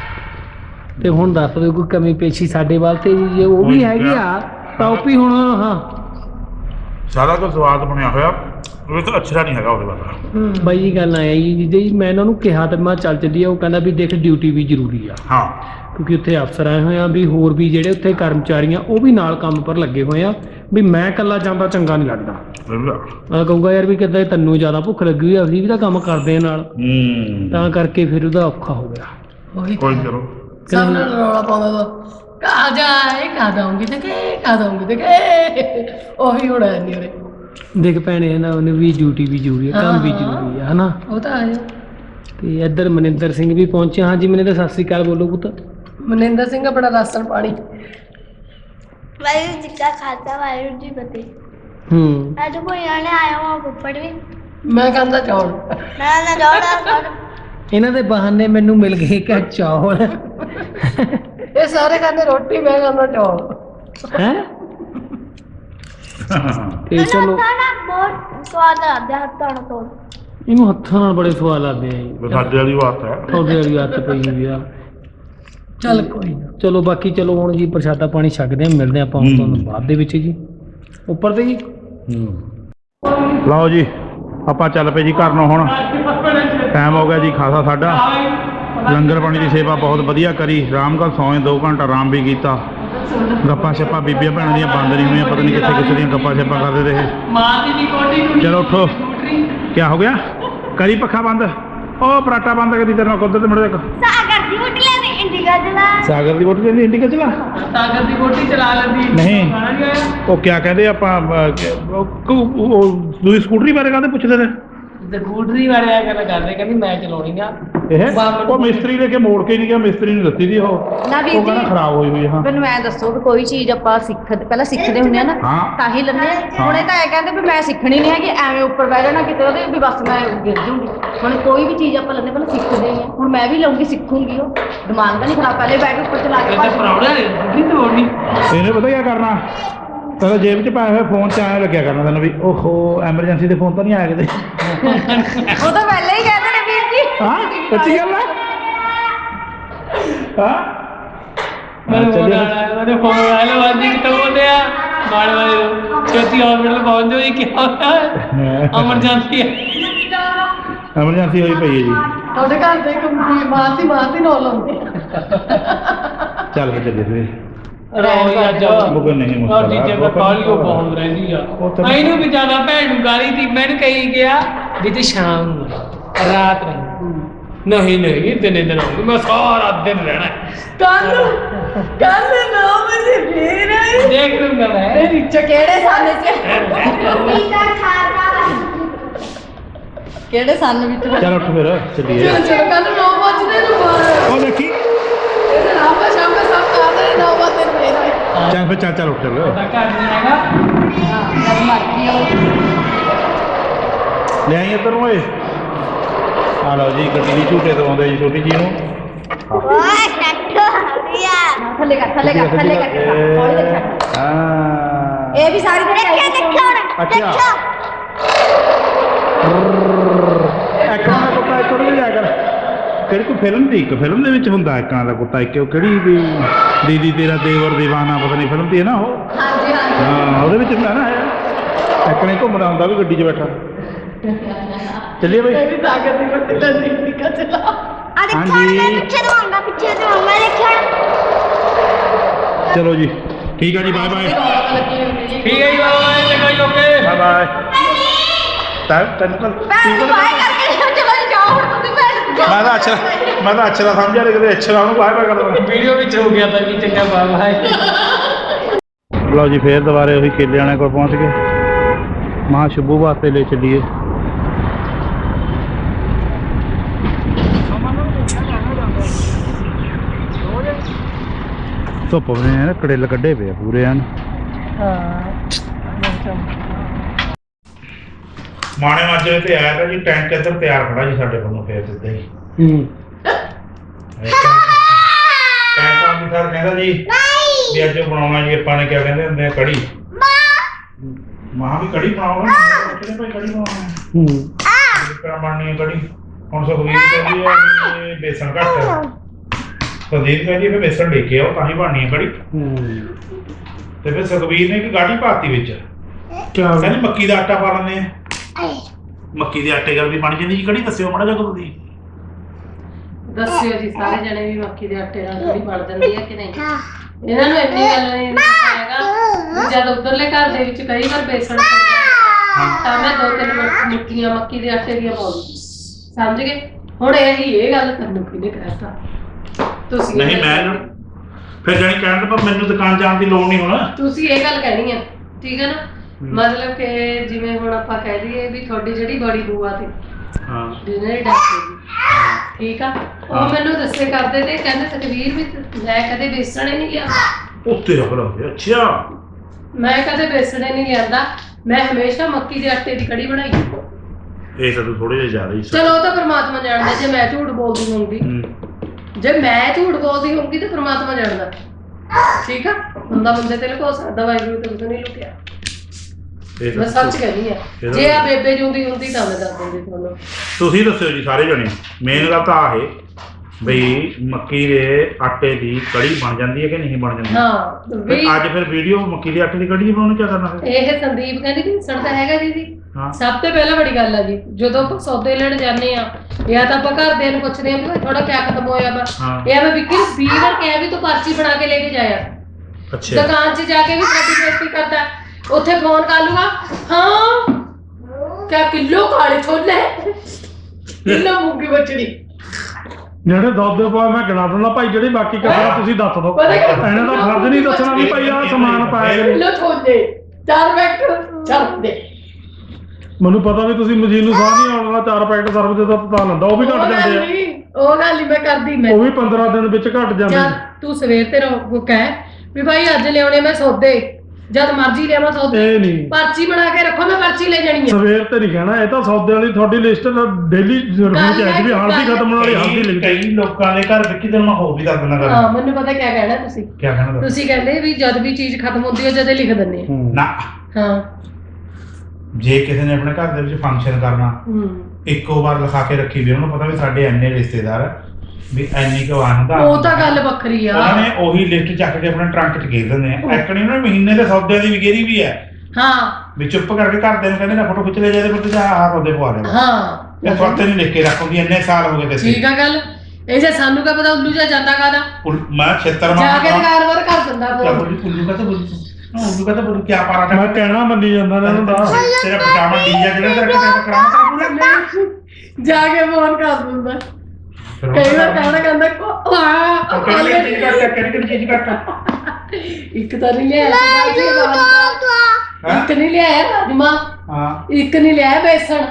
Speaker 4: ਤੇ ਹੁਣ ਦੱਸ ਦਿਓ ਕੋਈ ਕਮੀ ਪੇਸ਼ੀ ਸਾਡੇ ਵੱਲ ਤੇ ਜੇ ਉਹ ਵੀ ਹੈਗੀ ਆ ਤਾਂ ਉਹ ਵੀ ਹੁਣ ਹਾਂ
Speaker 1: ਸਾਰਾ ਕੁਝ ਸਵਾਦ ਬਣਿਆ ਹੋਇਆ ਉਹ ਤਾਂ ਅੱਛਾ ਨਹੀਂ ਹੈਗਾ ਉਹਦੇ ਬਾਰੇ
Speaker 4: ਬਾਈ ਜੀ ਗੱਲ ਆਇਆ ਜੀ ਮੈਂ ਇਹਨਾਂ ਨੂੰ ਕਿਹਾ ਤੇ ਮੈਂ ਚੱਲ ਚੱਲੀ ਆ ਉਹ ਕਹਿੰਦਾ ਵੀ ਦੇਖ ਡਿਊਟੀ ਵੀ ਜ਼ਰੂਰੀ ਆ
Speaker 1: ਹਾਂ
Speaker 4: ਕਿਉਂਕਿ ਉੱਥੇ ਅਫਸਰ ਆਏ ਹੋਏ ਆ ਵੀ ਹੋਰ ਵੀ ਜਿਹੜੇ ਉੱਥੇ ਕਰਮਚਾਰੀਆਂ ਉਹ ਵੀ ਨਾਲ ਕੰਮ ਪਰ ਲੱਗੇ ਹੋਏ ਆ ਵੀ ਮੈਂ ਇਕੱਲਾ ਜਾਂਦਾ ਚੰਗਾ ਨਹੀਂ ਲੱਗਦਾ ਮੈਂ ਕਹੂੰਗਾ ਯਾਰ ਵੀ ਕਿੱਦਾਂ ਤੈਨੂੰ ਜ਼ਿਆਦਾ ਭੁੱਖ ਲੱਗੀ ਹੋਈ ਆ ਅਸੀਂ ਵੀ ਤਾਂ ਕੰਮ ਕਰਦੇ ਆ ਨਾਲ ਤਾਂ ਕਰਕੇ ਫਿਰ ਉਹਦਾ ਔਖਾ ਹੋ ਗਿਆ
Speaker 2: ਉਹੀ
Speaker 1: ਕੋਈ ਕਰੋ
Speaker 2: ਸਭ ਨੂੰ ਰੌਲਾ ਪਾਉਂਦਾ ਤਾਂ ਕਾ ਜਾਏ ਕਾ ਦਊਂਗੀ ਤੇ ਕਾ ਦਊਂਗੀ ਤੇ ਉਹੀ ਹੋਣਾ ਨਹੀਂ ਉਰੇ
Speaker 4: ਦੇਖ ਭੈਣੇ ਨਾ ਉਹਨੇ ਵੀ ਡਿਊਟੀ ਵੀ ਜ਼ਰੂਰੀ ਆ ਕੰਮ ਵੀ ਜ਼ਰੂਰੀ ਆ ਹਨਾ
Speaker 2: ਉਹ ਤਾਂ ਆ ਜਾ
Speaker 4: ਤੇ ਇੱਧਰ ਮਨਿੰਦਰ ਸਿੰਘ ਵੀ ਪਹੁੰਚੇ ਹਾਂਜੀ ਮਨਿੰਦਰ ਸਤਿ ਸ੍ਰੀ ਅਕਾਲ ਬੋਲੋ ਪੁੱਤ
Speaker 2: ਮਨਿੰਦਰ ਸਿੰਘ ਆਪਣਾ ਰਾਸ਼ਨ ਪਾਣੀ
Speaker 6: ਵਾਹਿਗੁਰੂ ਜੀ ਕਾ ਖਾਲਸਾ ਵਾਹਿਗੁਰੂ ਜੀ ਕੀ ਫਤਿਹ ਅੱਜ ਕੋਈ ਆਣੇ ਆਇਆ ਹਾਂ ਉੱਪਰ ਵੀ
Speaker 2: ਮੈਂ ਕਹਿੰਦਾ ਚੌਲ
Speaker 6: ਨਾ ਜੋੜਾ
Speaker 4: ਇਹਨਾਂ ਦੇ ਬਹਾਨੇ ਮੈਨੂੰ ਮਿਲ ਗਏ ਕਿ ਚੌਲ
Speaker 2: ਇਹ ਸਾਰੇ ਕਹਿੰਦੇ ਰੋਟੀ ਮੈਂ ਕਹਿੰਦਾ ਚੌਲ
Speaker 4: ਹੈ ਤੇ ਚਲੋ
Speaker 6: ਨਾ ਬਹੁਤ ਸਵਾਦ ਲੱਗਦਾ ਹੱਥਾਂ ਨਾਲ ਤੋੜ
Speaker 4: ਇਹਨੂੰ ਹੱਥਾਂ ਨਾਲ ਬੜੇ ਸਵਾਲ ਆਉਂਦੇ ਆ ਜੀ
Speaker 1: ਸਾਡੇ ਵਾਲੀ ਬਾਤ ਹੈ
Speaker 4: ਤੁਹਾਡੇ ਵਾਲੀ ਹੱਥ ਪਈ ਹੋਈ ਆ
Speaker 2: ਚੱਲ ਕੋਈ ਨਾ
Speaker 4: ਚਲੋ ਬਾਕੀ ਚਲੋ ਹੁਣ ਜੀ ਪ੍ਰਸ਼ਾਦਾ ਪਾਣੀ ਛਕਦੇ ਆ ਮਿਲਦੇ ਆਪਾਂ ਹੁਣ ਤੁਹਾਨੂੰ ਬਾਅਦ ਦੇ ਵਿੱਚ ਜੀ ਉੱਪਰ ਤੇ ਜੀ
Speaker 1: ਲਓ ਜੀ ਆਪਾਂ ਚੱਲ ਪਏ ਜੀ ਘਰ ਨੂੰ ਹੁਣ ਟਾਈਮ ਹੋ ਗਿਆ ਜੀ ਖਾਸਾ ਸਾਡਾ ਲੰਗਰ ਪਾਣੀ ਦੀ ਸੇਵਾ ਬਹੁਤ ਵਧੀਆ ਕਰੀ ਆਰਾਮ ਨਾਲ ਸੌਂ 2 ਘੰਟਾ ਆਰਾਮ ਵੀ ਕੀਤਾ ਗੱਪਾਂ ਛੱਪਾਂ ਬੀਬੀਆਂ ਭੈਣਾਂ ਦੀਆਂ ਬੰਦ ਨਹੀਂ ਹੋਈਆਂ ਪਤਾ ਨਹੀਂ ਕਿੱਥੇ ਦੀਆਂ ਗੱਪਾਂ ਛੱਪਾਂ ਕਰਦੇ ਰਹੇ ਚਲੋ ਉੱਠੋ ਕਿਆ ਹੋ ਗਿਆ ਕਰੀ ਪੱਖਾ ਬੰਦ ਉਹ ਪਰਾਟਾ ਬੰਦ ਕਰੀ ਤੇਰੇ ਨਾਲ ਕੁੱਦਰ ਤੇ ਮੁੜੇ
Speaker 6: ਸਾਗਰ ਦੀ ਬੁੱਟੀ ਲੈਣੀ ਇੰਡੀਗਾ ਜਲਾ
Speaker 1: ਸਾਗਰ ਦੀ ਬੋਟੀ ਲੈਂਦੀ ਇੰਡੀਕਾ ਚਲਾ
Speaker 2: ਸਾਗਰ ਦੀ ਰੋਟੀ ਚਲਾ ਲੈਂਦੀ
Speaker 1: ਨਹੀਂ ਉਹ ਕਿਆ ਕਹਿੰਦੇ ਆਪਾਂ ਦੂਜੀ ਸਕੂਟਰੀ ਬਾਰੇ ਕਾਹਦੇ ਪੁੱਛਦੇ ਨੇ
Speaker 4: ਸਕੂਟਰੀ ਬਾਰੇ ਆ ਗੱਲ ਕਰਦੇ ਕਹਿੰਦੀ ਮੈਂ ਚਲਾਉਣੀ ਆ
Speaker 1: ਇਹ ਉਹ ਮਿਸਤਰੀ ਲੈ ਕੇ ਮੋੜ ਕੇ ਨਹੀਂ ਗਿਆ ਮਿਸਤਰੀ ਨੇ ਦਿੱਤੀ ਦੀ ਉਹ
Speaker 5: ਨਾ ਵੀਰ
Speaker 1: ਉਹ ਕਹਿੰਦਾ
Speaker 5: ਜੀ
Speaker 1: ਖਰਾਬ ਹੋਈ ਹੋਈ ਹੈ ਹਾਂ
Speaker 5: ਮੈਨੂੰ ਐ ਦੱਸੋ ਵੀ ਕੋਈ ਚੀਜ਼ ਆਪਾਂ ਪਹਿਲਾਂ ਸਿੱਖਦੇ ਹੁੰਦੇ ਆ ਨਾ
Speaker 1: ਹਾਂ।
Speaker 5: ਤਾਂ ਹੀ ਲੈਂਦੇ ਆ ਹੁਣ ਇਹ ਤਾਂ ਇਹ ਕਹਿੰਦੇ ਵੀ ਮੈਂ ਸਿੱਖਣੀ ਨਹੀਂ ਹੈਗੀ ਐਵੇਂ ਉੱਪਰ ਬਹਿ ਜਾਣਾ ਕਿਤੇ ਉਹਦੇ ਵੀ ਬਸ ਮੈਂ ਗਿਰ ਜੂੰਗੀ ਹੁਣ ਕੋਈ ਵੀ ਚੀਜ਼ ਆਪਾਂ ਲੈਂਦੇ ਪਹਿਲਾਂ ਸਿੱਖਦੇ ਹੀ ਆ ਹੁਣ ਮੈਂ ਵੀ ਲਊਂਗੀ ਸਿੱਖੂੰਗੀ ਉਹ ਦਿਮਾਗ ਤਾਂ ਨਹੀਂ ਖਰਾਬ ਪਹਿਲੇ ਬੈਠ ਕੇ ਉੱਪਰ ਚਲਾ ਕੇ
Speaker 1: ਇਹਨੇ ਪਤਾ ਕੀ ਕਰਨਾ ਤੇਰਾ ਜੇਬ 'ਚ ਪਾਇਆ ਹੋਇਆ ਫੋਨ 'ਚ ਆਇਆ ਲੱਗਿਆ ਕਰਨਾ ਤੈਨੂੰ ਵੀ ਓਹੋ ਐਮਰਜੈਂਸੀ ਦੇ ਫੋਨ ਤਾਂ ਨਹੀਂ ਆਇਆ ਕਿਤੇ
Speaker 5: ਉਹ ਤਾਂ ਪਹਿਲਾਂ ਹੀ ਕਹਿੰਦੇ ਨੇ ਵੀਰ ਜੀ
Speaker 1: ਹਾਂ ਸੱਚੀ ਗੱਲ ਹੈ ਹਾਂ
Speaker 4: ਉਹਨੇ ਫੋਨ ਆਇਆ ਵਾਦੀ ਕਿਤੋਂ ਬੋਲਿਆ ਮਾੜੇ ਵਾਲੇ ਛੇਤੀ ਹਸਪੀਟਲ ਪਹੁੰਚ ਜਾਓ ਜੀ ਕੀ ਹੋਇਆ ਐਮਰਜੈਂਸੀ
Speaker 1: ਐਮਰਜੈਂਸੀ ਹੋਈ ਪਈ ਹੈ ਜੀ
Speaker 2: ਤੁਹਾਡੇ ਘਰ ਦੇ ਕੰਪਨੀ ਮਾਸੀ ਨੋ ਲਾਉਂਦੇ
Speaker 1: ਚੱਲ ਕੇ ਚੱਲੇ ਫਿਰ
Speaker 4: ਰੋਈ ਅੱਜ
Speaker 1: ਮੁਕਰ ਨਹੀਂ ਮੁਕਰ
Speaker 4: ਔਰ ਜੀਜੇ ਦਾ ਕਾਲੀ ਉਹ ਬਹੁਤ ਰਹਿੰਦੀ ਆ ਇਹਨੂੰ ਵੀ ਜ਼ਿਆਦਾ ਭੈਣ ਨੂੰ ਗਾਲੀ ਦੀ ਮੈਨੂੰ ਕਹੀ ਗਿਆ ਵੀ ਤੇ ਸ਼ਾਮ ਨੂੰ ਰਾਤ ਨਹੀਂ ਦਿਨ ਆਉਂਗੀ ਮੈਂ ਸਾਰਾ ਦਿਨ ਰਹਿਣਾ
Speaker 2: ਕੱਲ 9 ਵਜੇ ਫੇਰ ਆਈ
Speaker 4: ਦੇਖ ਲੂੰਗਾ ਮੈਂ
Speaker 2: ਇਹ ਵਿੱਚ ਕਿਹੜੇ ਸਾਲ ਚ
Speaker 6: ਪੀਤਾ ਖਾਦਾ
Speaker 5: ਕਿਹੜੇ ਸੰਨ ਵਿੱਚ
Speaker 1: ਚੱਲ ਉੱਠ ਫਿਰ ਚੱਲੀਏ
Speaker 2: ਚਲੋ ਕੱਲ 9 ਵਜੇ ਨੂੰ ਬਾਹਰ
Speaker 1: ਉਹ ਦੇਖੀ
Speaker 2: ਇਹ ਰਾਮਾ ਸ਼ਾਮ ਦਾ ਸਭ ਆਦੇ 9 ਵਜੇ ਨੂੰ ਫੇਰ ਆਏ
Speaker 1: ਚੱਲ ਫਿਰ ਚੱਲ ਉੱਠ ਚੱਲ
Speaker 4: ਤਾਂ ਘਰ ਨਹੀਂ ਹੈਗਾ
Speaker 5: ਜਦ ਮਰਜੀ
Speaker 1: ਲੈ ਆਈ ਇੱਧਰ ਨੂੰ ਓਏ ਆ ਲਓ ਜੀ ਗੱਡੀ ਦੀ ਝੂਟੇ ਤੋਂ ਆਉਂਦੇ ਜੀ ਛੋਟੀ ਜੀ ਨੂੰ
Speaker 6: ਓਏ ਟੱਟੂ ਹਰੀਆ
Speaker 5: ਥੱਲੇ ਕਰ ਹੌਲੀ ਕਰ ਇਹ ਵੀ ਸਾਰੀ ਦਿਹਾੜੀ
Speaker 1: ਅੱਛਾ ਐਕਾਂ ਦਾ ਕੁੱਤਾ ਇੱਕ ਨੂੰ ਲਿਆ ਕਰ ਕਿਹੜੀ ਕੋਈ ਫਿਲਮ ਦੀ ਇੱਕ ਫਿਲਮ ਦੇ ਵਿੱਚ ਹੁੰਦਾ ਐਕਾਂ ਦਾ ਕੁੱਤਾ ਇੱਕ ਉਹ ਕਿਹੜੀ ਵੀ ਦੀਦੀ ਤੇਰਾ ਦੇਵਰ ਦੀਵਾਨਾ ਪਤਾ ਨਹੀਂ ਫਿਲਮ ਦੀ ਹੈ ਨਾ ਉਹ
Speaker 5: ਹਾਂਜੀ ਹਾਂਜੀ
Speaker 1: ਹਾਂ ਉਹਦੇ ਵਿੱਚ ਹੁੰਦਾ ਨਾ ਐਕਣੇ ਘੁੰਮਦਾ ਹੁੰਦਾ ਵੀ ਗੱਡੀ 'ਚ ਬੈਠਾ ਚੱਲੀਏ ਬਈ
Speaker 2: ਮੇਰੀ ਤਾਕਤ ਦੀ ਵੱਡੀ ਲੱਗੀ ਕਾ ਚਲਾ
Speaker 6: ਆ ਦੇਖੋ ਮੈਂ ਪਿੱਛੇ ਦਵਾਂਗਾ ਮੈਂ ਦੇਖਿਆ
Speaker 1: ਚਲੋ ਜੀ ਠੀਕ ਹੈ ਜੀ ਬਾਏ ਬਾਏ
Speaker 4: ਠੀਕ ਹੈ ਜੀ ਬਾਏ ਚੰਗਾ ਜੀ ਓਕੇ
Speaker 1: ਬਾਏ ਬਾਏ ਤੈਨੂੰ ਤਾਂ
Speaker 5: ਬਾਏ ਕਰਕੇ ਚਲੋ ਜਾਓ ਹੁਣ ਤੁਸੀਂ ਭੈਣ ਜਾਓ
Speaker 1: ਮੈਂ ਤਾਂ ਅੱਛਾ ਸਮਝਿਆ ਲੇਕਿਨ ਅੱਛਾ ਉਹਨੂੰ ਬਾਏ ਬਾਏ ਕਰ ਦਵਾਂ
Speaker 4: ਵੀਡੀਓ ਵਿੱਚ ਹੋ ਗਿਆ ਤਾਂ ਜੀ ਚੰਗਾ ਬਾਏ ਬਾਏ
Speaker 1: ਲਓ ਜੀ ਫੇਰ ਦੁਬਾਰੇ ਉਹੀ ਕੇਲੇ ਵਾਲੇ ਕੋਲ ਪਹੁੰਚ ਗਏ ਮਾਂ ਸ਼ੁਭੂ ਵਾਸਤੇ ਲੈ ਚੱਲੀਏ ਧੁੱਪ ਨੇ ਕੜੇਲ ਕੱਢੇ ਪਏ ਆ ਪੂਰੇ ਹਨ ਮਾਣੇ ਮਾਜਰੇ ਤੇ ਆਇਆ ਤਾਂ ਜੀ ਟੈਂਕ ਇੱਧਰ ਤਿਆਰ ਖੜਾ ਜੀ ਸਾਡੇ ਕੋਲੋਂ ਫੇਰ ਸਿੱਧਾ ਹੀ ਟੈਂਕ ਆਉਂਦੀ ਸਰ ਕਹਿੰਦਾ ਜੀ ਵੀ ਅੱਜ ਬਣਾਉਣਾ ਜੀ ਆਪਾਂ ਨੇ ਕਿਆ ਕਹਿੰਦੇ ਹੁੰਦੇ ਆ ਕੜੀ ਮਾਂ ਵੀ ਕੜੀ ਬਣਾਉਣਾ ਕਿਹਨੇ ਭਾਈ ਕੜੀ ਬਣਾਉਣਾ ਕਿਹੜਾ ਬਣਨੀ ਹੈ ਕੜੀ ਹੁਣ ਸੁਖਵੀਰ ਕਹਿੰਦੀ ਹੈ ਵੀ ਬੇਸਣ ਘੱਟ ਸੰਦੀਪ ਕਹਿੰਦੀ ਫਿਰ ਬੇਸਣ ਲੈ ਕੇ ਆਓ ਤਾਂ ਹੀ ਬਣਨੀ ਹੈ ਕੜੀ ਤੇ ਫਿਰ ਸੁਖਵੀਰ ਨੇ ਇੱਕ ਗਾੜੀ ਪਾਤੀ ਵਿੱਚ ਕਹਿੰਦੀ ਮੱਕੀ ਦਾ ਆਟਾ ਪਾ ਲੈਂਦੇ ਆ ਮੱਕੀ ਦੇ ਆਟੇ ਨਾਲ ਵੀ ਬਣ ਜਾਂਦੀ ਜੀ ਕੜੀ ਦੱਸਿਓ ਮਾੜਾ ਜਿਹਾ ਤੁਸੀਂ
Speaker 2: ਦੱਸਿਓ ਜੀ ਸਾਰੇ ਜਣੇ ਵੀ ਮੱਕੀ ਦੇ ਆਟੇ ਨਾਲ ਕੜੀ ਬਣ ਜਾਂਦੀ ਹੈ ਕਿ ਨਹੀਂ ਇਹਨਾਂ ਨੂੰ ਇੰਨੀ ਗੱਲ ਨਹੀਂ ਪਤਾ ਹੈਗਾ ਜਦ ਉਧਰਲੇ ਘਰ ਦੇ ਵਿੱਚ ਕਈ ਵਾਰ ਬੇਸਣ ਤਾਂ ਮੈਂ 2-3 ਮੁੱਠੀਆਂ ਮੱਕੀ ਦੇ ਆਟੇ ਦੀਆਂ ਪਾਉਂਦੀ ਸਮਝ ਗਏ ਹੁਣ ਇਹ ਗੱਲ ਤੁਹਾਨੂੰ ਕਿਹਨੇ ਕਹਿਤਾ ਤੁਸੀਂ
Speaker 1: ਨਹੀਂ ਮੈਂ ਫਿਰ ਜਾਨੀ ਕਹਿਣ ਦਾ ਮੈਨੂੰ ਦੁਕਾਨ ਜਾਣ ਦੀ ਲੋੜ ਨਹੀਂ ਹੁਣ
Speaker 2: ਤੁਸੀਂ ਇਹ ਗੱਲ ਕਹਿਣੀ ਹੈ ਠੀਕ ਹੈ ਨਾ ਮਤਲਬ ਕਿ ਜਿਵੇਂ ਹੁਣ ਆਪਾਂ ਕਹਿ ਦਈਏ ਵੀ ਤੁਹਾਡੀ ਜਿਹੜੀ ਬੜੀ ਬੂਆ ਤੇ
Speaker 1: ਹਾਂ
Speaker 2: ਜਿਹਨੇ ਡੈਥ ਹੋ ਗਈ ਠੀਕ ਆ ਉਹ ਮੈਨੂੰ ਦੱਸੇ ਕਰਦੇ ਤੇ ਕਹਿੰਦੇ ਤਕਵੀਰ ਵੀ ਮੈਂ ਕਦੇ ਬੇਸਣ ਹੀ ਨਹੀਂ ਲਿਆਂਦਾ
Speaker 1: ਉੱਤੇ ਰੱਖ ਲਓ ਅੱਛਾ
Speaker 2: ਮੈਂ ਕਦੇ ਬੇਸਣ ਹੀ ਨਹੀਂ ਲਿਆਂਦਾ ਮੈਂ ਹਮੇਸ਼ਾ ਮੱਕੀ ਦੇ ਆਟੇ ਦੀ ਕੜੀ ਬਣਾਈ
Speaker 1: ਇਹ ਤਾਂ ਥੋੜੇ ਜਿਹਾ ਜ਼ਿਆਦਾ ਹੀ
Speaker 2: ਚਲੋ ਉਹ ਤਾਂ ਪਰਮਾਤਮਾ ਜਾਣਦਾ ਜੇ ਮੈਂ ਝੂਠ ਬੋਲਦੀ ਹੋਊਂਗੀ ਜੇ ਮੈਂ ਝੂਠ ਬੋਲਦੀ ਹੋਊਂਗੀ ਤਾਂ ਪਰਮਾਤਮਾ ਜਾਣਦਾ ਠੀਕ ਆ ਬੰਦਾ ਬੰਦੇ ਤੇ ਲੁਕੋ ਸਕਦਾ ਵਾਹਿਗੁਰੂ ਤੇ ਕੁਝ ਨਹੀਂ ਲੁਕਿਆ ਮੈਂ ਸੱਚ ਕਹਿੰਦੀ ਆ ਜੇ ਆ ਬੇਬੇ ਜੂੰਦੀ ਹੁੰਦੀ ਤਾਂ ਮੈਂ ਦੱਸ ਦਿੰਦੀ ਤੁਹਾਨੂੰ
Speaker 1: ਤੁਸੀਂ ਦੱਸਿਓ ਜੀ ਸਾਰੇ ਜਣੇ ਮੇਨ ਗੱਲ ਤਾਂ ਆਹ ਹੈ ਬਈ ਮੱਕੀ ਦੇ ਆਟੇ ਦੀ ਕੜੀ ਬਣ ਜਾਂਦੀ ਹੈ ਕਿ ਨਹੀਂ ਬਣ ਜਾਂਦੀ
Speaker 2: ਹਾਂ ਵੀ
Speaker 1: ਅੱਜ ਫਿਰ ਵੀਡੀਓ ਮੱਕੀ ਦੇ ਆਟੇ ਦੀ ਕੜੀ ਬਣਾਉਣੀ ਕੀ ਕਰਨਾ ਫਿਰ
Speaker 2: ਇਹ ਸੰਦੀਪ ਕਹਿੰਦੀ ਵੀ ਸਣ ਤਾਂ ਹੈਗਾ ਦੀਦੀ
Speaker 1: ਹਾਂ
Speaker 2: ਸਭ ਤੋਂ ਪਹਿਲਾਂ ਬੜੀ ਗੱਲ ਆ ਜੀ ਜਦੋਂ ਆਪਾਂ ਸੌਦੇ ਲੈਣ ਜਾਂਦੇ ਆ ਜਾਂ ਤਾਂ ਆਪਾਂ ਘਰਦਿਆਂ ਨੂੰ ਪੁੱਛਦੇ ਆ ਵੀ ਥੋੜਾ ਕਿਆ ਖਤਮ ਹੋਇਆ ਵਾ ਇਹ ਮੈਂ ਵਿੱਕੀ ਨੂੰ 20 ਵਾਰ ਕਿਹਾ ਵੀ ਤੂੰ ਪਰਚੀ ਬਣਾ ਕੇ ਲੈ ਕੇ ਜਾਇਆ
Speaker 1: ਅੱਛਾ
Speaker 2: ਦੁਕਾਨ 'ਚ ਜਾ ਕੇ ਵੀ ਤੁਹਾਡੀ ਬੇਇੱਜ਼ਤੀ ਕਰਦਾ ਉੱਥੇ ਫੋਨ ਕਰ ਲੂਗਾ ਹਾਂ ਕਿਆ ਕਿਲੋ ਕਾਲੇ ਛੋਲੇ ਕਿਲੋ ਮੂੰਗੀ ਬਚੜੀ
Speaker 4: ਜਿਹੜੇ ਦੁੱਧ ਪਾ ਮੈਂ ਗਿਣਾ ਦਿੰਦਾ ਭਾਈ ਜਿਹੜੀ ਬਾਕੀ ਕਸਰ ਤੁਸੀਂ ਦੱਸ ਦਿਓ ਇਹਨਾਂ ਦਾ ਫਰਜ਼ ਨਹੀਂ ਦੱਸਣਾ ਵੀ ਭਾਈ ਆਹ ਸਮਾਨ ਪਾਇਆ ਕਰੇ
Speaker 2: ਕਿਲੋ ਛੋਲੇ 4 ਪੈਕਟ ਚੱਲ ਦੇ
Speaker 4: ਮੈਨੂੰ ਪਤਾ ਵੀ ਤੁਸੀਂ ਮਸ਼ੀਨ ਨੂੰ ਸਾਹ ਨਹੀਂ ਆਉਣ ਵਾਲਾ 4 ਪੈਕਟ ਸਰਵ ਦੇ ਤਾਂ ਪਤਾ ਲੰਦਾ ਉਹ ਵੀ ਘਟ ਜਾਂਦੇ ਆ
Speaker 2: ਉਹ ਗੱਲ ਹੀ ਮੈਂ ਕਰਦੀ ਮੈਂ
Speaker 4: ਉਹ ਵੀ 15 ਦਿਨ ਵਿੱਚ ਘਟ ਜਾਂਦੇ
Speaker 2: ਜਦ ਤੂੰ ਸਵੇਰ ਤੇ ਕਹਿ ਵੀ ਭਾਈ ਅੱਜ ਲਿਆਉਣੇ ਮੈਂ ਸੌਦੇ ਜਦ ਮਰਜ਼ੀ ਲਿਆਵਾਂ ਸੌਦੇ
Speaker 4: ਇਹ ਨਹੀਂ
Speaker 2: ਪਰਚੀ ਬਣਾ ਕੇ ਰੱਖੋ ਮੈਂ ਪਰਚੀ ਲੈ ਜਾਣੀ ਹੈ
Speaker 4: ਸਵੇਰ ਤੇ ਨਹੀਂ ਕਹਿਣਾ ਇਹ ਤਾਂ ਸੌਦੇ ਵਾਲੀ ਤੁਹਾਡੀ ਲਿਸਟ ਡੇਲੀ ਰੁਟੀਨ ਚ ਹੈ ਵੀ ਹਲਦੀ ਖਤਮ ਵਾਲੀ ਹਲਦੀ ਲਿਖ
Speaker 1: ਕਈ ਲੋਕਾਂ ਦੇ ਘਰ ਵਿੱਕੀ ਦਿਨ ਮੈਂ ਹੋ ਵੀ ਦੱਸ ਦਿੰਦਾ ਕਰ
Speaker 2: ਹਾਂ ਮੈਨੂੰ ਪਤਾ ਕਿਆ ਕਹਿਣਾ ਤੁਸੀਂ
Speaker 1: ਕੀ ਕਹਿਣਾ
Speaker 2: ਤੁਸੀਂ ਕਹਿੰਦੇ ਵੀ ਜਦ ਵੀ ਚੀਜ਼ ਖਤਮ ਹੁੰਦੀ ਹੈ ਜਦੇ ਲਿਖ ਦਿੰਦੇ ਆ
Speaker 1: ਨਾ
Speaker 2: ਹਾਂ
Speaker 1: ਜੇ ਕਿਸੇ ਨੇ ਆਪਣੇ ਘਰ ਦੇ ਵਿੱਚ ਫੰਕਸ਼ਨ ਕਰਨਾ ਇੱਕੋ ਵਾਰ ਲਿਖਾ ਕੇ ਰੱਖੀ ਵੀ ਉਹਨੂੰ ਪਤਾ ਵੀ ਸਾਡੇ ਇੰਨੇ ਰਿਸ਼ਤੇਦਾਰ ਵੀ ਇੰਨੀ ਕੁ ਆਉਂਦਾ
Speaker 2: ਉਹ ਤਾਂ ਗੱਲ ਵੱਖਰੀ ਆ
Speaker 1: ਉਹਨਾਂ ਨੇ ਉਹੀ ਲਿਸਟ ਚੱਕ ਕੇ ਆਪਣੇ ਟਰੰਕ 'ਚ ਗੇਰ ਦਿੰਦੇ ਆ ਐਕਣੀ ਉਹਨਾਂ ਮਹੀਨੇ ਦੇ ਸੌਦਿਆਂ ਦੀ ਵਿਗੇਰੀ ਵੀ ਹੈ
Speaker 2: ਹਾਂ
Speaker 1: ਵੀ ਚੁੱਪ ਕਰਕੇ ਘਰਦਿਆਂ ਨੂੰ ਕਹਿੰਦੇ ਨਾ ਫੋਟੋ ਖਿੱਚ ਲੈ ਜਾਦੇ ਪਰ ਜਾ ਆਹ ਰੋਦੇ ਪਵਾ ਲੈ
Speaker 2: ਹਾਂ
Speaker 1: ਇਹ ਫੋਟੋ ਨਹੀਂ ਲਿਖ ਕੇ ਰੱਖੂਗੀ ਇੰਨੇ ਸਾਲ ਹੋ ਗਏ ਤੇ
Speaker 2: ਠੀਕ ਆ ਗੱਲ ਇਹ ਜੇ ਸਾਨੂੰ ਕਾ ਪਤਾ ਉੱਲੂ ਜਾ ਜਾਂਦਾ ਕਾਦਾ
Speaker 1: ਮੈਂ ਛੇਤਰ
Speaker 2: ਜਾ ਕੇ ਦੁਕਾਨ ਵਰ ਕਰ ਦਿੰਦਾ
Speaker 1: ਕਿਆ
Speaker 2: ਬੋਲ
Speaker 1: ਬੋਲੀ ਉੱਲੂ ਕਾ ਤਾਂ ਬੋਲੀ ਉੱਲੂ ਕਾ ਤਾਂ ਬੋਲੀ ਕੀ ਪਾਰਾ
Speaker 4: ਮੈਂ ਕਹਿਣਾ ਮੰਨੀ ਜਾਂਦਾ ਨਾ ਇਹਨਾਂ ਦਾ
Speaker 1: ਤੇਰਾ ਵਿਟਾਮਿਨ ਡੀ ਆ ਜਿਹੜਾ ਤੇਰਾ ਕਰਾਉਣਾ ਪੂਰਾ
Speaker 2: ਜਾ ਕੇ ਫੋਨ ਕਰ ਦਿੰਦਾ ਕਈ ਵਾਰ ਕਹਿਣਾ ਕਹਿੰਦਾ
Speaker 1: ਕਿਹੜੀ ਚੀਜ਼ ਕਰਤਾ
Speaker 2: ਇੱਕ ਤਾਂ ਨਹੀਂ ਲਿਆ ਇੱਕ ਨਹੀਂ ਲਿਆ ਰਾਜਮਾ
Speaker 1: ਹਾਂ
Speaker 2: ਇੱਕ ਨਹੀਂ ਲਿਆ ਬੇਸਣ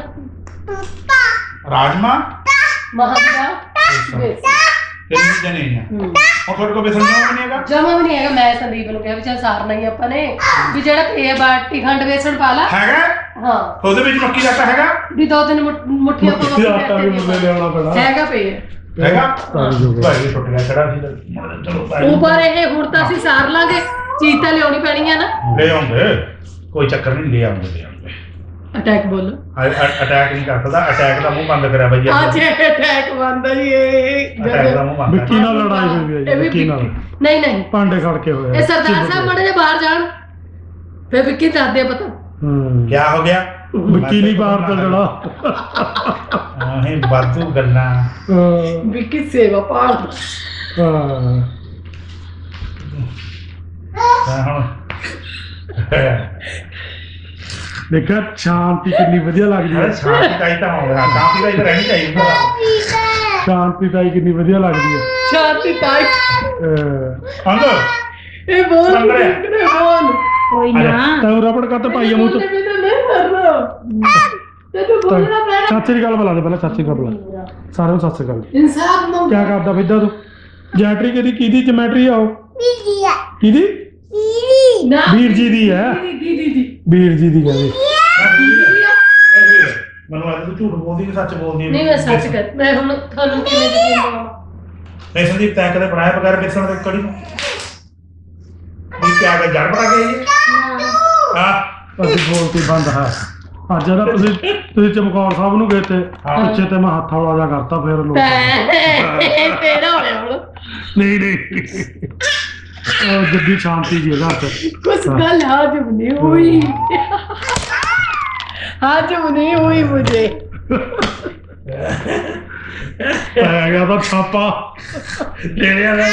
Speaker 1: ਰਾਜਮਾ
Speaker 2: ਮਹਾਂਦਾ
Speaker 1: ਤਿੰਨ ਜਣੇ ਆ ਉਹ ਤੁਹਾਡੇ ਕੋਲ ਬੇਸਣ ਜਮਾ ਨਹੀਂ ਹੈਗਾ
Speaker 2: ਜਮਾ ਵੀ ਨਹੀਂ ਹੈਗਾ ਮੈਂ ਸੰਦੀਪ ਨੂੰ ਕਿਹਾ ਵੀ ਚੱਲ ਸਾਰਨਾ ਹੀ ਆਪਾਂ ਨੇ ਵੀ ਜਿਹੜਾ ਪੇ ਬਾਟੀ ਖੰਡ ਬੇਸਣ ਪਾ ਲਾ
Speaker 1: ਹੈਗਾ
Speaker 2: ਹਾਂ
Speaker 1: ਉਹਦੇ ਵਿੱਚ ਮੱਕੀ ਦਾ ਆਟਾ ਹੈਗਾ
Speaker 2: ਵੀ 2-3 ਮੁੱਠੀਆਂ
Speaker 4: ਮੱਕੀ ਦਾ ਆਟਾ ਵੀ ਮੁੱਲੇ ਲਿਆਉਣਾ ਪੈਣਾ
Speaker 2: ਹੈਗਾ ਪੇ
Speaker 1: ਹੈਗਾ ਭਾਈ ਛੁੱਟ ਗਿਆ ਖੜਾ ਸੀ ਚਲੋ ਭਾਈ
Speaker 2: ਉੱਪਰ ਇਹ ਹੁਣ ਤਾਂ ਅਸੀਂ ਸਾਰ ਲਾਂਗੇ ਚੀਜ਼ ਤਾਂ ਲਿਆਉਣੀ ਪੈਣੀ ਆ ਨਾ।
Speaker 1: ਲੈ ਆਉਂਦੇ, ਕੋਈ ਚੱਕਰ ਨਹੀਂ, ਲੈ ਆਉਂਦੇ।
Speaker 2: ਅਟੈਕ ਬੋਲੋ।
Speaker 1: ਅਟੈਕ ਨਹੀਂ ਕਰ ਸਕਦਾ, ਅਟੈਕ ਦਾ ਮੂੰਹ ਬੰਦ ਕਰਿਆ ਬਾਈ ਜੀ।
Speaker 2: ਅੱਜ ਅਟੈਕ ਬੰਦਾ ਜੀ ਇਹ
Speaker 1: ਅਟੈਕ ਦਾ ਮੂੰਹ ਬੰਦ
Speaker 4: ਵਿੱਕੀ ਨਾਲ ਲੜਾਈ ਹੋਈ ਹੈ ਜੀ, ਵਿੱਕੀ ਨਾਲ
Speaker 2: ਨਹੀਂ ਨਹੀਂ
Speaker 4: ਭਾਂਡੇ ਖੜਕੇ ਹੋਏ
Speaker 2: ਇਹ ਸਰਦਾਰ ਸਾਹਿਬ ਮੜੇ ਜੇ ਬਾਹਰ ਜਾਣ ਫਿਰ ਵਿੱਕੀ ਦੱਸਦੇ ਪਤਾ।
Speaker 1: ਕੀ ਹੋ ਗਿਆ?
Speaker 4: ਵਿੱਕੀ ਨਹੀਂ ਬਾਹਰ ਚੱਲਣਾ।
Speaker 1: ਆਹੇ ਬਾਤੂ ਗੱਲਾਂ।
Speaker 2: ਵਿੱਕੀ ਸੇਵਾ ਭਾਲਦਾ।
Speaker 1: ਹੁਣ
Speaker 4: ਦੇਖਿਆ ਸ਼ਾਂਤੀ ਕਿੰਨੀ ਵਧੀਆ ਲੱਗਦੀ ਹੈ।
Speaker 1: ਸ਼ਾਂਤੀ ਦਾ ਹੀ ਤਾਂ ਹੋਣਾ, ਸ਼ਾਂਤੀ ਦਾ ਹੀ ਤਾਂ ਰਹਿਣੀ ਚਾਹੀਦੀ ਹੈ।
Speaker 4: ਸ਼ਾਂਤੀ ਤਾਂ ਕਿੰਨੀ ਵਧੀਆ ਲੱਗਦੀ ਹੈ।
Speaker 2: ਸ਼ਾਂਤੀ ਤਾਈ
Speaker 1: ਅੰਦਰ
Speaker 2: ਇਹ ਬੋਲ ਕਿਹਨੇ ਬੋਲ
Speaker 3: ਕੋਈ ਨਾ
Speaker 4: ਤੈਨੂੰ ਰਬੜ ਕੱਟ ਪਾਈਆ ਮੂੰਹ ਚ।
Speaker 2: ਤੇ ਨਹੀਂ ਕਰਨਾ ਤੇ ਤੂੰ ਬੋਲਣਾ ਪੈਣਾ।
Speaker 4: ਸਤਿ ਸ੍ਰੀ ਅਕਾਲ ਬੁਲਾ ਦੇ ਪਹਿਲਾਂ, ਸਤਿ ਸ੍ਰੀ ਅਕਾਲ ਬੁਲਾ ਸਾਰਿਆਂ ਨੂੰ ਸਤਿ ਸ੍ਰੀ ਅਕਾਲ।
Speaker 2: ਇਨਸਾਫ ਮੰਗ।
Speaker 4: ਕਿਆ ਕਰਦਾ ਫਿਰਦਾ ਤੂੰ? ਜੈਟਰੀ ਕਿਹਦੀ ਜਮੈਟਰੀ ਆ ਉਹ? ਕਿਹਦੀ?
Speaker 2: ਨਾ
Speaker 4: ਵੀਰ ਜੀ ਦੀ ਹੈ।
Speaker 2: ਦੀ
Speaker 4: ਵੀਰ ਜੀ ਦੀ ਕਹਿੰਦੇ।
Speaker 1: ਮੈਨੂੰ ਅੱਜ ਤੂੰ ਝੂਠ ਬੋਲਦੀ ਕਿ ਸੱਚ ਬੋਲਦੀ?
Speaker 2: ਨਹੀਂ ਮੈਂ ਸੱਚ ਕਰ, ਮੈਂ ਹੁਣ ਤੁਹਾਨੂੰ ਕਿਵੇਂ ਯਕੀਨ ਦਵਾਂ?
Speaker 1: ਨਹੀਂ ਸੰਦੀਪ, ਤੈਂ ਕਦੇ ਬਣਾਇਆ ਬਗੈਰ ਬੇਸਣ ਦੇ ਕੜੀ ਨੂੰ? ਵੀ ਕਿਆ ਕਰ ਜੜ ਬਣਾ ਕੇ ਆਈ ਹਾਂ?
Speaker 4: ਅਸੀਂ ਬੋਲਤੀ ਬੰਦ ਹੈ। ਅੱਜ ਇਹਦਾ ਤੁਸੀਂ ਚਮਕੌਰ ਸਾਹਿਬ ਨੂੰ ਗਏ ਤੇ ਪਿੱਛੇ ਤੇ ਮੈਂ ਹੱਥ ਹੌਲਾ ਜਾ ਕਰਤਾ ਫਿਰ ਲੋਕ।
Speaker 2: ਤੇਰਾ ਹੋਇਆ ਹੁਣ
Speaker 4: ਨਹੀਂ ਉਹ ਜੱਦੀ ਸ਼ਾਂਤੀ ਜੀ ਘਰ ਚ।
Speaker 2: ਕੁछ गल हजम नहीं हुई, हजम नहीं हुई मुझे।
Speaker 4: ਪੈ ਗਿਆ ਤਾਂ ਛਾਪਾ ਤੇਰੇ ਵਾਲਾ।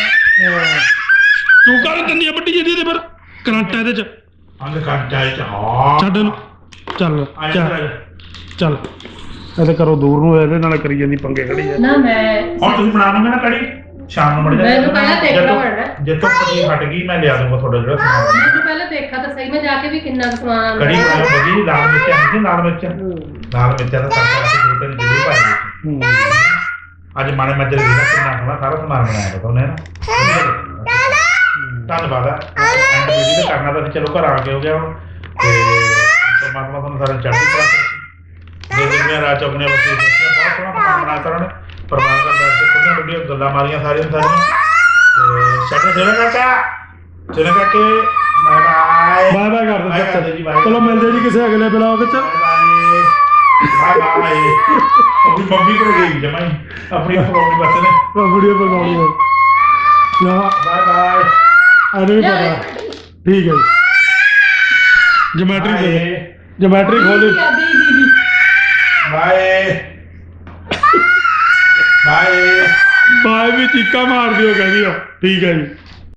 Speaker 4: ਤੂੰ ਕਰ ਦਿੰਦੀ ਆ ਵੱਡੀ ਜਿਹਦੀ ਤੇ ਫਿਰ ਕਰੰਟ ਇਹਦੇ ਚ
Speaker 1: ਅੰਗ ਕੱਟ ਜਾਏ ਚ। ਹਾਂ
Speaker 4: ਛੱਡ ਇਹਨੂੰ। ਚੱਲ
Speaker 1: ਚੱਲ
Speaker 4: ਚੱਲ ਇਹਦੇ ਕਰੋ ਦੂਰ ਨੂੰ, ਇਹਦੇ ਨਾਲ ਕਰੀ ਜਾਂਦੀ ਪੰਗੇ ਖੜੀ ਆ।
Speaker 2: ना मैं
Speaker 1: ਹੁਣ ਤੁਸੀਂ ਬਣਾ ਲਓਗੇ ਨਾ ਕੜੀ ਸ਼ਾਮ ਨੂੰ ਮੜ ਜਾ।
Speaker 2: ਮੈਨੂੰ ਪਹਿਲਾਂ ਦੇਖਣਾ ਪੈਣਾ।
Speaker 1: ਜਿੱਥੋਂ ਕੜੀ ਹਟ ਗਈ ਮੈਂ ਲਿਆ ਦੂੰਗਾ ਤੁਹਾਡਾ ਜਿਹੜਾ ਸਮਾਨ।
Speaker 2: मैं पहले देखा तो सही में जाके भी कितना कुछ सामान
Speaker 1: ਕੜੀ ਬਣਾਓ ਬਗੀ, ਲਾਲ ਮਿਰਚਾਂ ਹੁੰਦੀ, ਲਾਲ ਮਿਰਚਾਂ ਦਾ ਤੜਕਾ ਅਸੀਂ ਦੋ ਤਿੰਨ ਜ਼ਰੂਰ ਪਾਏਗੇ। ਅੱਜ ਮਾਣੇ ਮੱਜਰ ਵੀ ਨਾ ਕਿੰਨਾ ਸੋਹਣਾ ਸਾਰਾ ਸਮਾਨ ਬਣਾਇਆ ਬਤਾ ਉਹਨੇ ਨਾ। ਧੰਨਵਾਦ ਆ। ਐਂਡ ਵੀਡੀਓ ਤੇ ਕਰਨਾ ਤਾਂ ਚਲੋ ਘਰ ਆ ਕੇ ਹੋ ਗਿਆ ਹੁਣ ਤੇ ਪਰਮਾਤਮਾ ਤੁਹਾਨੂੰ ਸਾਰਿਆਂ ਨੂੰ ਚੜ੍ਹਦੀ ਕਲਾ ਦੇ ਦੇ। ਮੈਂ ਰਾਜ ਆਪਣੇ ਬੱਚੇ ਬਹੁਤ ਸੋਹਣਾ ਖਾਣਾ ਬਣਾਇਆ ਸਾਰਿਆਂ ਨੇ। ਪਰਿਵਾਰ ਦਾ ਬੈਠ ਕੇ ਖੁੱਲੀਆਂ ਡੁੱਡੀਆਂ ਗੱਲਾਂ ਮਾਰੀਆਂ ਸਾਰੀਆਂ ਤੇ ਸਾਡੇ ਚਲੋ ਕਾਕੇ ਬਾਏ
Speaker 4: ਬਾਏ ਬਾਏ ਕਰ
Speaker 1: ਬਾਏ
Speaker 4: ਦੇ
Speaker 1: ਜੀ, ਬਾਏ।
Speaker 4: ਚਲੋ ਮਿਲਦੇ ਜੀ ਕਿਸੇ ਅਗਲੇ ਬਲੌਗ ਚ।
Speaker 1: Bye bye. ਆਪਣੀ ਮੰਮੀ ਕੋਲ ਗਈ ਜਮਾਈ ਆਪਣੀ ਪ੍ਰੋਬਲਮ ਬਸ ਨੇ।
Speaker 4: ਵੀਡੀਓ ਬਣਾਉਣੀ ਹੈ। ਨਾ
Speaker 1: ਬਾਏ ਬਾਏ।
Speaker 4: ਅਰੇ ਵੀ ਪਤਾ ਠੀਕ ਹੈ ਜੀ। ਜਮੈਟਰੀ ਖੋਲੀ।
Speaker 1: Bye bye.
Speaker 4: ਬਾਏ ਵੀ ਚੀਕਾ ਮਾਰ ਦਿਓ ਕਹਿੰਦੀ ਆ। ਠੀਕ ਹੈ ਜੀ।